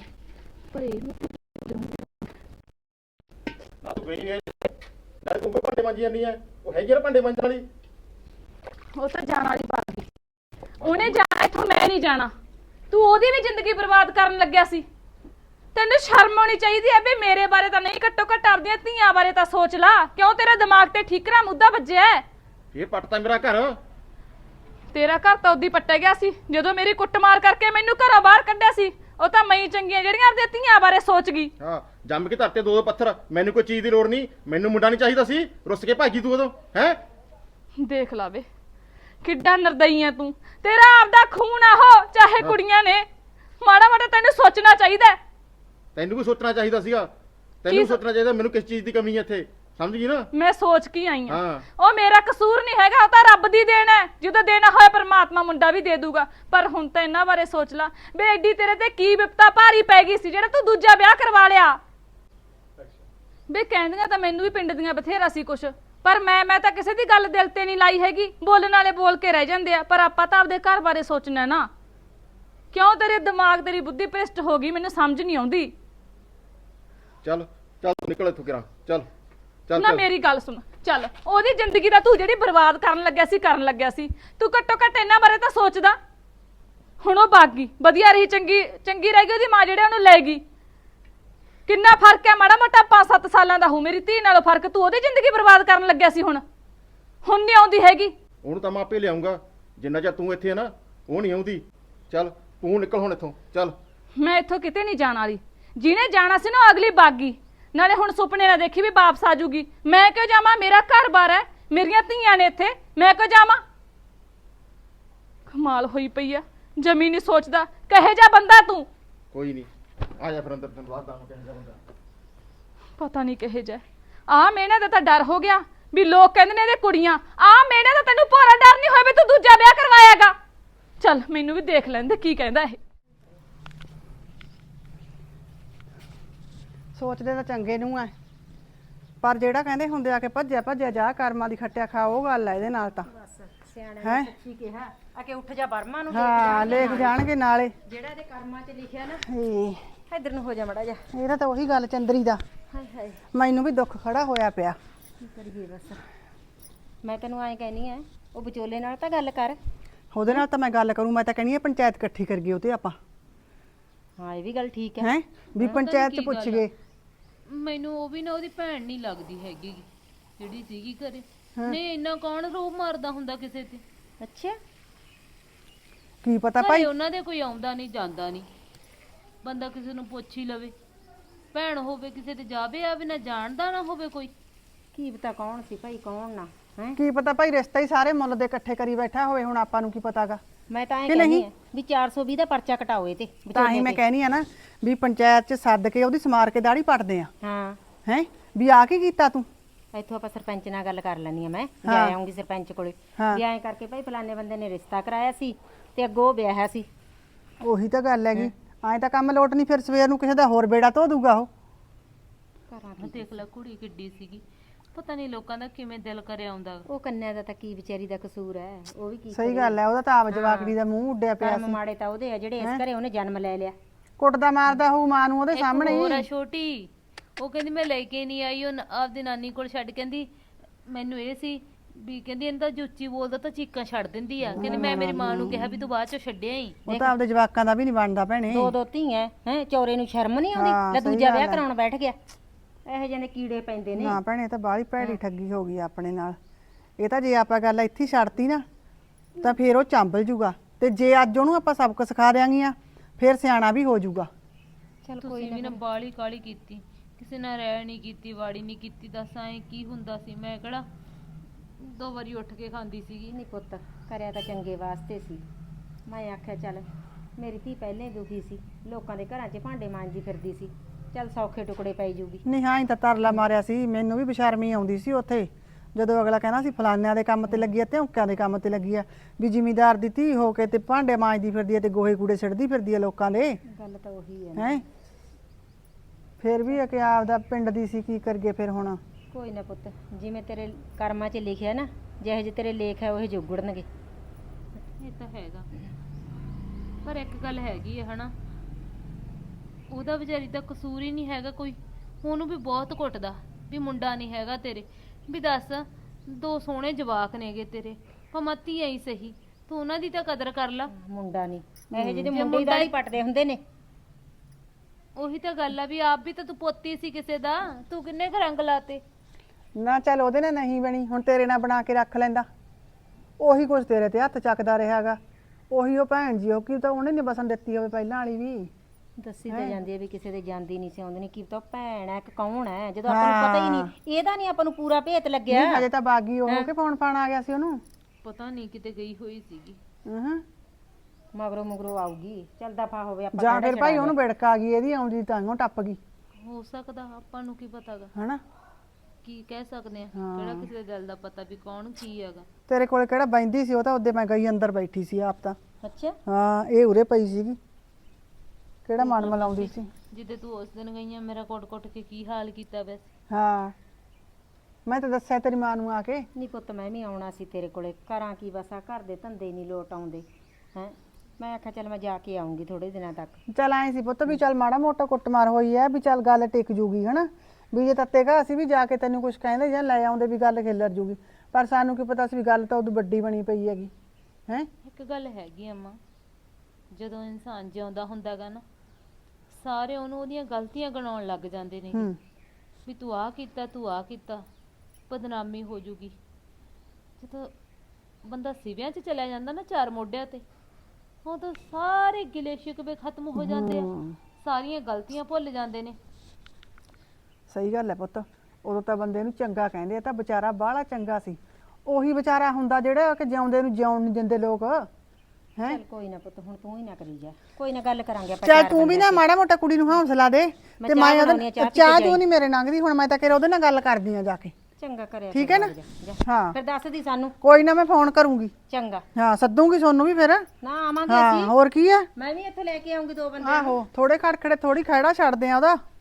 C: ਨਾ ਤੂੰ ਗਈ ਨਹੀਂ, ਨਾ ਤੂੰ ਮਾਂਜੀ ਜਾਂਦੀ ਐ? ਉਹ ਹੈਗੀ ਆ ਨਾ ਭਾਂਡੇ ਮਾਂਜਣ ਵਾਲੀ।
B: ਉਹ ਤਾਂ ਜਾਣ ਵਾਲੀ ਬਾਤ ਸੀ, ਉਹਨੇ ਜਾਣਾ ਇੱਥੋਂ, ਮੈਂ ਨਹੀਂ ਜਾਣਾ। ਤੂੰ ਉਹਦੀ ਵੀ ਜ਼ਿੰਦਗੀ ਬਰਬਾਦ ਕਰਨ ਲੱਗਿਆ ਸੀ। ਤੈਨੂੰ ਸ਼ਰਮ ਆਉਣੀ ਚਾਹੀਦੀ ਐ ਵੀ ਮੇਰੇ ਬਾਰੇ ਤਾਂ ਨਹੀਂ, ਘੱਟੋ ਘੱਟ ਆਪਦੀਆਂ ਧੀਆਂ ਬਾਰੇ ਤਾਂ ਸੋਚ ਲਾ। ਕਿਉਂ ਤੇਰਾ ਦਿਮਾਗ ਤੇ ਠੀਕਰਾ ਮੁੱਦਾ ਵੱਜਿਆ ਹੈ?
C: ਫੇਰ ਪੱਟਤਾ ਮੇਰਾ ਘਰ।
B: ਤੇਰਾ ਘਰ ਤਾਂ ਉਦੀ ਪੱਟਿਆ ਗਿਆ ਸੀ ਜਦੋਂ ਮੇਰੀ ਕੁੱਟਮਾਰ ਕਰਕੇ ਮੈਨੂੰ ਘਰੋਂ ਬਾਹਰ ਕੱਢਿਆ ਸੀ। ਉਹ ਤਾਂ ਮੈਂ ਹੀ ਚੰਗੀਆਂ ਜਿਹੜੀਆਂ ਆਪਦੀਆਂ ਧੀਆਂ ਬਾਰੇ ਸੋਚ ਗਈ।
C: ਹਾਂ, ਜੰਮ ਕੇ ਧਰਤੇ ਦੋ ਪੱਥਰ। ਮੈਨੂੰ ਕੋਈ ਚੀਜ਼ ਦੀ ਲੋੜ ਨਹੀਂ, ਮੈਨੂੰ ਮੁੰਡਾ ਨਹੀਂ ਚਾਹੀਦਾ ਸੀ। ਰੁੱਸ ਕੇ ਭਾਗੀ ਤੂੰ ਉਦੋਂ ਹੈ।
B: ਦੇਖ ਲਾ ਵੇ ਕਿੱਡਾ ਨਿਰਦਈ ਆ ਤੂੰ। ਤੇਰਾ ਆਪਦਾ ਖੂਨ ਆ ਉਹ, ਚਾਹੇ ਕੁੜੀਆਂ ਨੇ। ਮਾੜਾ ਮਾੜਾ ਤੈਨੂੰ ਸੋਚਣਾ ਚਾਹੀਦਾ ਹੈ।
C: ਤੈਨੂੰ ਵੀ ਸੋਚਣਾ ਚਾਹੀਦਾ ਸੀਗਾ। ਤੈਨੂੰ ਵੀ ਸੋਚਣਾ ਚਾਹੀਦਾ ਮੈਨੂੰ ਕਿਸ ਚੀਜ਼ ਦੀ ਕਮੀ ਹੈ ਇੱਥੇ, ਸਮਝ ਗਈ ਨਾ।
B: ਮੈਂ ਸੋਚ ਕੇ ਆਈ ਆ।
C: ਹਾਂ।
B: ਉਹ ਮੇਰਾ ਕਸੂਰ ਨਹੀਂ ਹੈਗਾ, ਉਹ ਤਾਂ ਰੱਬ ਦੀ ਦੇਣ ਹੈ। ਜਦੋਂ ਦੇਣਾ ਹੋਇਆ ਪਰਮਾਤਮਾ ਮੁੰਡਾ ਵੀ ਦੇ ਦੂਗਾ। ਪਰ ਹੁਣ ਤਾਂ ਇਹਨਾਂ ਬਾਰੇ ਸੋਚ ਲਾ ਬੇ ਐਡੀ ਤੇਰੇ ਤੇ ਕੀ ਵਿਪਤਾ ਭਾਰੀ ਪੈ ਗਈ ਸੀ ਜਿਹੜਾ ਤੂੰ ਦੂਜਾ ਵਿਆਹ ਕਰਵਾ ਲਿਆ। ਬੇ ਕਹਿੰਦੀਆਂ ਤਾਂ ਮੈਨੂੰ ਵੀ ਪਿੰਡ ਦੀਆਂ ਬਥੇਰਾ ਸੀ ਕੁਛ, ਪਰ ਮੈਂ ਤਾਂ ਕਿਸੇ ਦੀ ਗੱਲ ਦਿਲ ਤੇ ਨਹੀਂ ਲਾਈ ਹੈਗੀ। ਬੋਲਣ ਵਾਲੇ ਬੋਲ ਕੇ ਰਹਿ ਜਾਂਦੇ ਆ, ਪਰ ਆਪਾਂ ਤਾਂ ਆਪਦੇ ਘਰ ਬਾਰੇ ਸੋਚਣਾ ਨਾ। ਕਿਉਂ ਤੇਰੇ ਦਿਮਾਗ, ਤੇਰੀ ਬੁੱਧੀ ਭ੍ਰਿਸ਼ਟ ਹੋ ਗਈ, ਮੈਨੂੰ ਸਮਝ ਨਹੀਂ ਆਉਂਦੀ।
C: ਚੱਲ ਚੱਲ ਨਿਕਲ ਇੱਥੋਂ ਕਿਰਾ। ਚੱਲ ਚੱਲ
B: ਨਾ ਮੇਰੀ ਗੱਲ ਸੁਣ, ਚੱਲ। ਉਹਦੀ ਜ਼ਿੰਦਗੀ ਦਾ ਤੂੰ ਜਿਹੜੀ ਬਰਬਾਦ ਕਰਨ ਲੱਗਿਆ ਸੀ। ਤੂੰ ਘੱਟੋ ਘੱਟ ਇਹਨਾਂ ਬਾਰੇ ਤਾਂ ਸੋਚਦਾ। ਹੁਣ ਉਹ ਭੱਗ ਗਈ, ਵਧੀਆ ਰਹੀ, ਚੰਗੀ ਰਹਿ ਗਈ। ਉਹਦੀ ਮਾਂ ਜਿਹੜੇ ਉਹਨੂੰ ਲੈ ਗਈ। ਕਿੰਨਾ ਫਰਕ ਹੈ, ਮਾੜਾ ਮੋਟਾ 5-7 ਸਾਲਾਂ ਦਾ ਹੋ ਮੇਰੀ ਧੀ ਨਾਲੋਂ ਫਰਕ। ਤੂੰ ਉਹਦੀ ਜ਼ਿੰਦਗੀ ਬਰਬਾਦ ਕਰਨ ਲੱਗਿਆ ਸੀ। ਹੁਣ ਨਹੀਂ ਆਉਂਦੀ ਹੈਗੀ।
C: ਉਹਨੂੰ ਤਾਂ ਮੈਂ ਆਪੇ ਲਿਆਉਂਗਾ, ਜਿੰਨਾ ਚਿਰ ਤੂੰ ਇੱਥੇ ਹੈ ਨਾ ਉਹ ਨਹੀਂ ਆਉਂਦੀ। ਚੱਲ ਤੂੰ ਨਿਕਲ ਹੁਣ ਇੱਥੋਂ। ਚੱਲ
B: ਮੈਂ ਇੱਥੋਂ ਕਿਤੇ ਨਹੀਂ ਜਾਣ ਵਾਲੀ। ਜਿਹਨੇ ਜਾਣਾ ਸੀ ਨਾ ਅਗਲੀ ਬਾਗੀ। ਨਾਲੇ ਹੁਣ ਸੁਪਨੇ ਨਾ ਦੇਖੀ ਵੀ ਵਾਪਸ ਆ ਜੂਗੀ। ਮੈਂ ਕਿਉਂ ਜਾਵਾਂ? ਮੇਰਾ ਘਰ-ਬਾਰ ਹੈ, ਮੇਰੀਆਂ ਧੀਆਂ ਨੇ ਇੱਥੇ, ਮੈਂ ਕਿਉਂ ਜਾਵਾਂ? ਕਮਾਲ ਹੋਈ ਪਈ ਆ, ਜਮੀ ਨਹੀਂ ਸੋਚਦਾ। ਕਹੇ ਜਾ ਬੰਦਾ ਤੂੰ।
C: ਕੋਈ ਨਹੀਂ, ਆ ਜਾ ਫਿਰ ਅੰਦਰ, ਤੈਨੂੰ ਬਾਅਦ ਦਾਂ ਕਿਹੋ ਜਿਹਾ ਬੰਦਾ।
B: ਪਤਾ ਨਹੀਂ ਕਹੇ ਜਾ। ਆ ਮੈਨਾਂ ਦਾ ਤਾਂ ਡਰ ਹੋ ਗਿਆ ਵੀ ਲੋਕ ਕਹਿੰਦੇ ਨੇ ਇਹਦੇ ਕੁੜੀਆਂ। ਆ ਮੈਨਾਂ ਦਾ ਤੈਨੂੰ ਭੋਰਾ ਡਰ ਨਹੀਂ ਹੋਇਆ ਵੀ ਤੂੰ ਦੂਜਾ ਵਿਆਹ ਕਰਵਾਏਗਾ? ਚੱਲ ਮੈਨੂੰ ਵੀ ਦੇਖ ਲੈਂਦੇ ਕੀ ਕਹਿੰਦਾ ਇਹ।
E: ਸੋਚਦੇ ਤਾਂ ਚੰਗੇ ਨੂੰ ਐ, ਪਰ ਜਿਹੜਾ ਕਹਿੰਦੇ ਹੁੰਦੇ ਆ ਕਿ ਭੱਜਿਆ ਜਾ ਕਰਮਾਂ ਦੀ ਖੱਟਿਆ ਖਾ, ਉਹ ਗੱਲ ਐ ਇਹਦੇ ਨਾਲ ਤਾਂ।
D: ਸਿਆਣੇ
E: ਹੈਂ?
D: ਨੇ ਸੱਚੀ ਕਿਹਾ ਆ ਕਿ ਉੱਠ ਜਾ ਬਰਮਾ ਨੂੰ
E: ਹਾਂ, ਲੇਖ ਜਾਣਗੇ ਨਾਲੇ।
D: ਜਿਹੜਾ ਇਹਦੇ ਕਰਮਾਂ 'ਚ ਲਿਖਿਆ ਨਾ,
E: ਹੇ,
D: ਇੱਧਰ ਨੂੰ ਹੋ ਜਾ ਮੜਾ ਜਾ।
E: ਇਹਦਾ ਤਾਂ ਉਹੀ ਗੱਲ ਚੰਦਰੀ ਦਾ।
D: ਹਾਏ ਹਾਏ,
E: ਮੈਨੂੰ ਵੀ ਦੁੱਖ ਖੜਾ ਹੋਇਆ ਪਿਆ।
D: ਕੀ ਕਰੀਏ ਬਸ। ਮੈਂ ਤੈਨੂੰ ਐਂ ਕਹਿਨੀ ਆ, ਉਹ ਵਿਚੋਲੇ ਨਾਲ ਤਾਂ ਗੱਲ ਕਰ।
E: ਉਹਦੇ ਨਾਲ ਤਾਂ ਮੈਂ ਗੱਲ ਕਰੂੰ। ਮੈਂ ਤਾਂ ਕਹਿੰਦੀ ਆ ਪੰਚਾਇਤ ਇਕੱਠੀ ਕਰ ਗਈ ਉਹ ਤੇ ਆਪਾਂ।
D: ਹਾਂ, ਇਹ ਵੀ ਗੱਲ ਠੀਕ ਹੈ।
E: ਹੈ ਵੀ ਪੰਚਾਇਤ 'ਚ ਪੁੱਛ ਗਏ।
F: ਮੈਨੂੰ ਉਹ ਵੀ ਨਾ ਉਹਦੀ ਭੈਣ ਨਹੀਂ ਲੱਗਦੀ ਹੈਗੀ ਜਿਹੜੀ ਸੀਗੀ ਘਰੇ। ਨਹੀਂ ਇੰਨਾ ਕੌਣ ਰੋਬ ਮਾਰਦਾ ਹੁੰਦਾ ਕਿਸੇ ਤੇ।
D: ਅੱਛਾ,
E: ਕੀ ਪਤਾ
F: ਭਾਈ
E: ਭਾਈ।
F: ਉਹਨਾਂ ਦੇ ਕੋਈ ਆਉਂਦਾ ਨਹੀਂ ਜਾਂਦਾ ਨਹੀਂ, ਬੰਦਾ ਕਿਸੇ ਨੂੰ ਪੁੱਛ ਹੀ ਲਵੇ। ਭੈਣ ਹੋਵੇ ਕਿਸੇ ਤੇ ਜਾਵੇ ਆ ਵੀ ਨਾ, ਜਾਣਦਾ ਨਾ ਹੋਵੇ ਕੋਈ।
D: ਕੀ ਪਤਾ ਕੌਣ ਸੀ ਭਾਈ ਕੌਣ ਨਾ ਹੈ।
E: ਕੀ ਪਤਾ ਭਾਈ, ਰਿਸ਼ਤਾ ਹੀ ਸਾਰੇ ਮੁੱਲ ਦੇ ਇਕੱਠੇ ਕਰੀ ਬੈਠਾ ਹੋਵੇ। ਹੁਣ ਆਪਾਂ ਨੂੰ ਕੀ ਪਤਾਗਾ।
D: ਮੈਂ ਤਾਂ ਐਂ
E: ਕਿ
D: ਕਹਿੰਦੀ
E: ਨਹੀਂ?
D: ਆ ਵੀ 420 ਦਾ ਪਰਚਾ ਕਟਾਓ ਇਹ ਤੇ
E: ਤਾਂ ਹੀ ਮੈਂ ਕਹਿਨੀ ਆ ਨਾ ਵੀ ਪੰਚਾਇਤ 'ਚ ਸੱਦ ਕੇ ਉਹਦੀ ਸਮਾਰ ਕੇ ਦਾੜੀ ਪੱਟਦੇ ਆ।
D: ਹਾਂ,
E: ਹੈ ਵੀ ਆ ਕੀ ਕੀਤਾ ਤੂੰ?
D: ਇੱਥੋਂ ਆਪਾਂ ਸਰਪੰਚ ਨਾਲ ਗੱਲ ਕਰ ਲੈਣੀ ਆ। ਮੈਂ
E: ਹਾਂ।
D: ਜਾ ਆਉਂਗੀ ਸਰਪੰਚ ਕੋਲੇ
E: ਹਾਂ।
D: ਵੀ ਐਂ ਕਰਕੇ ਭਾਈ ਫਲਾਣੇ ਬੰਦੇ ਨੇ ਰਿਸ਼ਤਾ ਕਰਾਇਆ ਸੀ ਤੇ ਅੱਗੋਂ ਉਹ ਵਿਆਹਿਆ ਸੀ।
E: ਉਹੀ ਤਾਂ ਗੱਲ ਹੈਗੀ। ਐਂ ਤਾਂ ਕੰਮ ਲੋਟ ਨਹੀਂ, ਫਿਰ ਸਵੇਰ ਨੂੰ ਕਿਸੇ ਦਾ ਹੋਰ ਬੇੜਾ ਧੋ ਦੂਗਾ ਉਹ।
D: ਘਰਾਂ
F: ਦੇਖ ਲੈ ਕੁੜੀ ਕਿੱਡੀ ਸੀਗੀ, ਪਤਾ ਨਹੀਂ ਲੋਕਾਂ ਦਾ ਕਿਵੇਂ ਦਿਲ ਕਰਿਆ ਆਉਂਦਾ।
D: ਉਹ ਕੰਨਿਆ ਦਾ ਤਾਂ ਕੀ ਵਿਚਾਰੀ ਦਾ ਕਸੂਰ ਹੈ, ਉਹ ਵੀ ਕੀ
E: ਸਹੀ ਗੱਲ ਹੈ, ਉਹਦਾ ਤਾਂ ਆਪ ਜਵਾਕੜੀ ਦਾ ਮੂੰਹ ਉੱਡਿਆ ਪਿਆ
D: ਕਰਮ
E: ਸੀ।
D: ਮਾੜੇ ਤਾਂ ਉਹਦੇ ਆ ਜਿਹੜੇ ਇਸ ਘਰੇ ਉਹਨੇ ਜਨਮ ਲੈ ਲਿਆ।
E: ਕੁੱਟਦਾ ਮਾਰਦਾ ਹੋਊ ਮਾਂ ਨੂੰ ਉਹਦੇ
F: ਇੱਕ
E: ਸਾਹਮਣੇ
F: ਹੋਰ ਆ
E: ਹੀ।
F: ਛੋਟੀ, ਉਹ ਕਹਿੰਦੀ ਮੈਂ ਲੈ ਕੇ ਨਹੀਂ ਆਈ। ਉਹ ਆਪਦੀ ਨਾਨੀ ਕੋਲ ਛੱਡ, ਕਹਿੰਦੀ ਮੈਨੂੰ ਇਹ ਸੀ ਵੀ ਕਹਿੰਦੀ ਇਹਨਾਂ ਤਾਂ ਜੁੱਚੀ ਬੋਲਦਾ ਤਾਂ ਚੀਕਾਂ ਛੱਡ ਦਿੰਦੀ ਆ। ਕਹਿੰਦੀ ਮੈਂ ਮੇਰੀ ਮਾਂ ਨੂੰ ਕਿਹਾ ਵੀ ਤੂੰ ਬਾਅਦ ਚੋਂ ਛੱਡਿਆ ਹੀ।
E: ਉਹ ਤਾਂ ਆਪਦੇ ਜਵਾਕਾਂ ਦਾ ਵੀ ਨਹੀਂ ਬਣਦਾ ਭੈਣੇ।
D: ਦੋ ਧੀਆਂ ਹੈ, ਚੋਰੇ ਨੂੰ ਸ਼ਰਮ ਨਹੀਂ ਆਉਂਦੀ?
E: ਹਾਂ,
D: ਲੈ
E: ਸਹੀ
D: ਦੂਜਾ
E: ਗੱਲ
D: ਵਿਆਹ
E: ਹੈ।
D: ਕਰਾਉਣ ਬੈਠ ਗਿਆ। ਇਹੋ ਜਿਹੇ ਨੇ ਕੀੜੇ ਪੈਂਦੇ ਨੇ।
E: ਨਾ ਭੈਣੇ, ਇਹ ਤਾਂ ਬਾਹਲੀ ਭੈੜੀ ਠੱਗੀ ਹੋ ਗਈ ਆਪਣੇ ਨਾਲ। ਇਹ ਤਾਂ ਜੇ ਆਪਾਂ ਗੱਲ ਇੱਥੇ ਹੀ ਛੱਡਤੀ ਨਾ ਤਾਂ ਫੇਰ ਉਹ ਚੰਬਲ ਜੂਗਾ। ਤੇ ਜੇ ਅੱਜ ਉਹਨੂੰ ਆਪਾਂ ਸਬਕ ਸਿਖਾ ਦਿਆਂਗੀਆਂ ਫੇਰ ਸਿਆਣਾ ਵੀ ਹੋ ਜੂਗਾ।
D: ਚਲ ਕੋਈ
F: ਤੁਸੀਂ ਵੀ ਨਾ ਬਾਲੀ ਕਾਲੀ ਕੀਤੀ, ਕਿਸੇ ਨਾਲ ਰਹਿ ਨਹੀਂ ਕੀਤੀ, ਵਾੜੀ ਨਹੀਂ ਕੀਤੀ। ਦੱਸ ਐ ਕੀ ਹੁੰਦਾ ਸੀ? ਮੈਂ ਕਿਹੜਾ 2 ਵਾਰੀ ਉੱਠ ਕੇ ਖਾਂਦੀ ਸੀਗੀ।
D: ਨਹੀਂ ਪੁੱਤ, ਕਰਿਆ ਤਾਂ ਚੰਗੇ ਵਾਸਤੇ ਸੀ। ਮੈਂ ਆਖਿਆ ਚੱਲ ਮੇਰੀ ਧੀ ਪਹਿਲਾਂ ਹੀ ਦੁਖੀ ਸੀ, ਲੋਕਾਂ ਦੇ ਘਰਾਂ 'ਚ ਭਾਂਡੇ ਮਾਂਜਦੀ ਫਿਰਦੀ ਸੀ, ਚੱਲ ਸੌਖੇ ਟੁਕੜੇ ਪਈ ਜੂਗੀ।
E: ਨਹੀਂ ਹਾਂ, ਹੀ ਤਾਂ ਤਰਲਾ ਮਾਰਿਆ ਸੀ। ਮੈਨੂੰ ਵੀ ਬੇਸ਼ਰਮੀ ਆਉਂਦੀ ਸੀ ਉੱਥੇ, ਜਦੋਂ ਅਗਲਾ ਕਹਿੰਦਾ ਸੀ ਫਲਾਨਿਆਂ ਦੇ ਕੰਮ ਤੇ ਲੱਗੀ ਆ, ਧੌਂਕਿਆਂ ਦੇ ਕੰਮ ਤੇ ਲੱਗੀ ਆ। ਵੀ ਜ਼ਿਮੀਦਾਰ ਦੀ ਧੀ ਹੋ ਕੇ ਤੇ ਭਾਂਡੇ ਮਾਂਜਦੀ ਫਿਰਦੀ ਆ ਤੇ ਗੋਹੇ ਕੂੜੇ ਸਿੱਟਦੀ ਫਿਰਦੀ ਆ ਲੋਕਾਂ ਦੇ।
D: ਗੱਲ ਤਾਂ ਉਹੀ ਹੈ।
E: ਹੈ ਫਿਰ ਵੀ ਆ ਕਿ ਆਪਦਾ ਪਿੰਡ ਦੀ ਸੀ, ਕੀ ਕਰਗੇ ਫਿਰ ਹੁਣ।
D: ਕੋਈ ਨਾ ਪੁੱਤ, ਜਿਵੇਂ ਤੇਰੇ ਕਰਮਾਂ 'ਚ ਲਿਖਿਆ ਨਾ, ਜਿਹੇ ਜਿਹੇ ਤੇਰੇ ਲੇਖ ਹੈ ਉਹ ਜਿਹੇ ਉਗੜਨਗੇ।
F: ਇਹ ਤਾਂ ਹੈਗਾ, ਪਰ ਇੱਕ ਗੱਲ ਹੈਗੀ ਹੈ ਹਨਾ, ਉਹਦਾ ਵਿਚਾਰੀ ਦਾ ਕਸੂਰ ਹੀ ਨਹੀਂ ਹੈਗਾ ਕੋਈ। ਉਹਨੂੰ ਵੀ ਬਹੁਤ ਕੁੱਟਦਾ ਵੀ ਮੁੰਡਾ ਨਹੀਂ ਹੈਗਾ ਤੇਰੇ। ਵੀ ਦੱਸ, ਦੋ ਸੋਹਣੇ ਜਵਾਕ ਨੇਗੇ ਤੇਰੇ, ਭਾਵੇਂ ਧੀਆਂ ਹੀ ਸਹੀ, ਤੂੰ ਉਹਨਾਂ ਦੀ ਤਾਂ ਕਦਰ ਕਰ ਲਾ।
D: ਮੁੰਡਾ ਨਹੀਂ ਇਹੋ ਜਿਹੇ
F: ਜੇ
D: ਮੁੰਡੇ
F: ਮੁੰਡਾ
D: ਦਾ
F: ਹੀ
D: ਹੀ ਪਟਦੇ ਹੁੰਦੇ ਨੇ।
F: ਉਹੀ ਤਾਂ ਗੱਲ ਆ ਵੀ ਆਪ ਵੀ ਤਾਂ ਤੂੰ ਪੋਤੀ ਸੀ ਕਿਸੇ ਦਾ, ਤੂੰ ਕਿੰਨੇ ਕੁ ਰੰਗ ਲਾਤੇ।
E: ਨਾ ਚੱਲ ਉਹਦੇ ਨਾਲ ਨਹੀਂ ਬਣੀ, ਹੁਣ ਤੇਰੇ ਨਾਲ ਬਣਾ ਕੇ ਰੱਖ ਲੈਂਦਾ। ਉਹੀ ਕੁਝ ਤੇਰੇ ਤੇ ਹੱਥ ਚੱਕਦਾ ਰਿਹਾਗਾ, ਉਹੀ ਉਹ ਭੈਣ ਜੀ, ਉਹ ਕੀ ਤਾਂ ਉਹਨੇ ਨਹੀਂ ਬਸਣ ਦਿੱਤੀ ਹੋਵੇ ਪਹਿਲਾਂ ਵਾਲੀ ਵੀ।
D: ਦੱਸੀ ਤਾਂ ਜਾਂਦੀ ਹੈ ਵੀ ਕਿਸੇ ਦੇ ਜਾਂਦੀ ਨਹੀਂ ਸੀ ਆਉਂਦੀ ਨਹੀਂ, ਕੀ ਤਾਂ ਭੈਣ ਹੈ ਕਿ ਕੌਣ ਹੈ, ਜਦੋਂ ਆਪਾਂ ਨੂੰ ਪਤਾ ਹੀ ਨਹੀਂ, ਇਹਦਾ ਨਹੀਂ ਆਪਾਂ ਨੂੰ ਪੂਰਾ ਭੇਤ ਲੱਗਿਆ।
E: ਹਜੇ ਤਾਂ ਬਾਗੀ ਉਹ ਕੇ ਫੋਨ ਆ ਗਿਆ ਸੀ ਉਹਨੂੰ।
F: ਪਤਾ ਨਹੀਂ ਕਿਤੇ ਗਈ ਹੋਈ ਸੀਗੀ।
E: ਹਾਂ
D: ਮਗਰੋਂ ਮਗਰੋਂ ਆਊਗੀ, ਚੱਲ ਦਫਾ ਹੋਵੇ ਆਪਾਂ
E: ਜਾਂ ਫਿਰ ਭਾਈ ਉਹਨੂੰ ਵਿੜਕ ਆ ਗਈ ਇਹਦੀ, ਆਉਂਦੀ ਤਾਂ ਉਹ ਟੱਪ ਗਈ,
F: ਹੋ ਸਕਦਾ, ਆਪਾਂ ਨੂੰ ਕੀ ਪਤਾਗਾ,
E: ਹਨਾ।
F: ਕੀ ਕਹਿ ਸਕਦੇ ਆ, ਕਿਹੜਾ ਕਿਸੇ ਦੇ ਦਿਲ ਦਾ ਪਤਾ ਵੀ ਕੌਣ ਕੀ ਹੈਗਾ।
E: ਤੇਰੇ ਕੋਲ ਕਿਹੜਾ ਬੈਂਦੀ ਸੀ, ਉਹ ਤਾਂ ਉਹਦੇ ਮੈਂ ਗਈ ਅੰਦਰ ਬੈਠੀ ਸੀ ਆਪ ਤਾਂ।
D: ਅੱਛਾ
E: ਹਾਂ ਇਹ ਉਰੇ ਪਈ ਸੀਗੀ, ਕਿਹੜਾ ਮਨ ਮਲਾਉਂਦੀ ਸੀ।
F: ਜਿੱਦੇ ਤੂੰ ਉਸ ਦਿਨ ਗਈਆਂ ਮੇਰਾ ਕੋਟ-ਕੋਟ ਕੇ ਕੀ ਹਾਲ ਕੀਤਾ ਵੈਸੇ।
E: ਹਾਂ ਮੈਂ ਤਾਂ ਦੱਸਿਆ ਤੇਰੀ ਮਾਂ ਨੂੰ ਆ ਕੇ।
D: ਨਹੀਂ ਪੁੱਤ ਮੈਂ ਵੀ ਆਉਣਾ ਸੀ ਤੇਰੇ ਕੋਲੇ, ਕਰਾਂ ਕੀ, ਬਸ ਆ ਘਰ ਦੇ ਧੰਦੇ ਨਹੀਂ ਲੋਟ ਆਉਂਦੇ ਹੈ। ਮੈਂ ਆਖਿਆ ਚੱਲ ਮੈਂ ਜਾ ਕੇ ਆਉਂਗੀ ਥੋੜੇ ਦਿਨਾਂ ਤੱਕ।
E: ਚੱਲ ਆਏ ਸੀ ਪੁੱਤ ਵੀ ਚੱਲ ਮਾੜਾ ਮੋਟਾ ਕੁੱਟਮਾਰ ਹੋਈ ਐ ਵੀ ਚੱਲ ਗੱਲ ਟਿਕ ਜੂਗੀ ਹਨਾ, ਵੀ ਜੇ ਤੱਤੇਗਾ ਅਸੀਂ ਵੀ ਜਾ ਕੇ ਤੈਨੂੰ ਕੁਝ ਕਹਿੰਦੇ ਜਾਂ ਲੈ ਆਉਂਦੇ ਵੀ ਗੱਲ ਖਿਲਰ ਜੂਗੀ, ਪਰ ਸਾਨੂੰ ਕੀ ਪਤਾ ਸੀ ਵੀ ਗੱਲ ਤਾਂ ਉਦੋਂ ਵੱਡੀ ਬਣੀ ਪਈ ਹੈਗੀ ਹੈ।
F: ਇੱਕ ਗੱਲ ਹੈਗੀ ਅੰਮਾ, ਜਦੋਂ ਇਨਸਾਨ ਜਿਉਂਦਾ ਹੁੰਦਾਗਾ ਨਾ, ਸਾਰੇ ਉਹਨੂੰ ਉਹਦੀਆਂ ਗਲਤੀਆਂ ਗਣਾਉਣ ਲੱਗ ਜਾਂਦੇ ਨੇ ਵੀ ਤੂੰ ਆਹ ਕੀਤਾ, ਤੂੰ ਆਹ ਕੀਤਾ, ਬਦਨਾਮੀ ਹੋ ਜੂਗੀ। ਜਦੋਂ ਬੰਦਾ ਸਿਵਿਆਂ 'ਚ ਚਲਿਆ ਜਾਂਦਾ ਨਾ ਚਾਰ ਮੋਢਿਆਂ ਤੇ, ਉਹ ਤਾਂ ਸਾਰੇ ਗਿਲੇ ਸ਼ਿਕਵੇ ਖਤਮ ਹੋ ਜਾਂਦੇ ਆ, ਸਾਰੀਆਂ ਗਲਤੀਆਂ ਭੁੱਲ ਜਾਂਦੇ ਨੇ।
E: ਸਹੀ ਗੱਲ ਹੈ ਪੁੱਤ, ਉਦੋਂ ਤਾਂ ਬੰਦੇ ਨੂੰ ਚੰਗਾ ਕਹਿੰਦੇ ਆ, ਤਾਂ ਵਿਚਾਰਾ ਬਾਹਲਾ ਚੰਗਾ ਸੀ। ਉਹੀ ਵਿਚਾਰਾ ਹੁੰਦਾ ਜਿਹੜਾ ਕਿ ਜਿਉਂਦੇ ਨੂੰ ਜਿਉਣ ਨਹੀਂ ਦਿੰਦੇ ਲੋਕ ਹੈ।
D: ਚੱਲ ਕੋਈ ਨਾ ਪੁੱਤ, ਹੁਣ ਤੂੰ ਹੀ ਨਾ ਕਰੀ ਜਾ, ਕੋਈ ਨਾ ਗੱਲ ਕਰਾਂਗੇ ਆਪਾਂ।
E: ਚੱਲ ਤੂੰ ਵੀ ਨਾ ਮਾੜਾ ਮੋਟਾ ਕੁੜੀ ਨੂੰ ਹੌਸਲਾ ਦੇ, ਤੇ ਮੈਂ ਉਹਦੇ ਚਾਹ ਤੂੰ ਨਹੀਂ ਮੇਰੇ ਲੰਘਦੀ, ਹੁਣ ਮੈਂ ਤਾਂ ਕਿਹਾ ਉਹਦੇ ਨਾਲ ਗੱਲ ਕਰਦੀ ਆ ਜਾ ਕੇ।
D: ਚੰਗਾ ਕਰਿਆ,
E: ਠੀਕ ਹੈ ਨਾ। ਹਾਂ
D: ਫਿਰ ਦੱਸਦੀ ਸਾਨੂੰ।
E: ਕੋਈ ਨਾ ਮੈਂ ਫੋਨ ਕਰੂੰਗੀ।
D: ਚੰਗਾ
E: ਹਾਂ ਸੱਦੂਗੀ ਸੋਨੂੰ ਵੀ ਫਿਰ।
D: ਨਾ ਆਵਾਂਗੇ
E: ਹਾਂ
D: ਅਸੀਂ,
E: ਹੋਰ ਕੀ ਆ।
D: ਮੈਂ ਵੀ ਇੱਥੇ ਲੈ ਕੇ ਆਉਂਗੀ ਦੋ ਬੰਦੇ।
E: ਆਹੋ ਥੋੜੇ ਖੜਖੜੇ ਥੋੜੀ ਖੜਾ ਛੱਡਦੇ ਆ ਉਹਦਾ।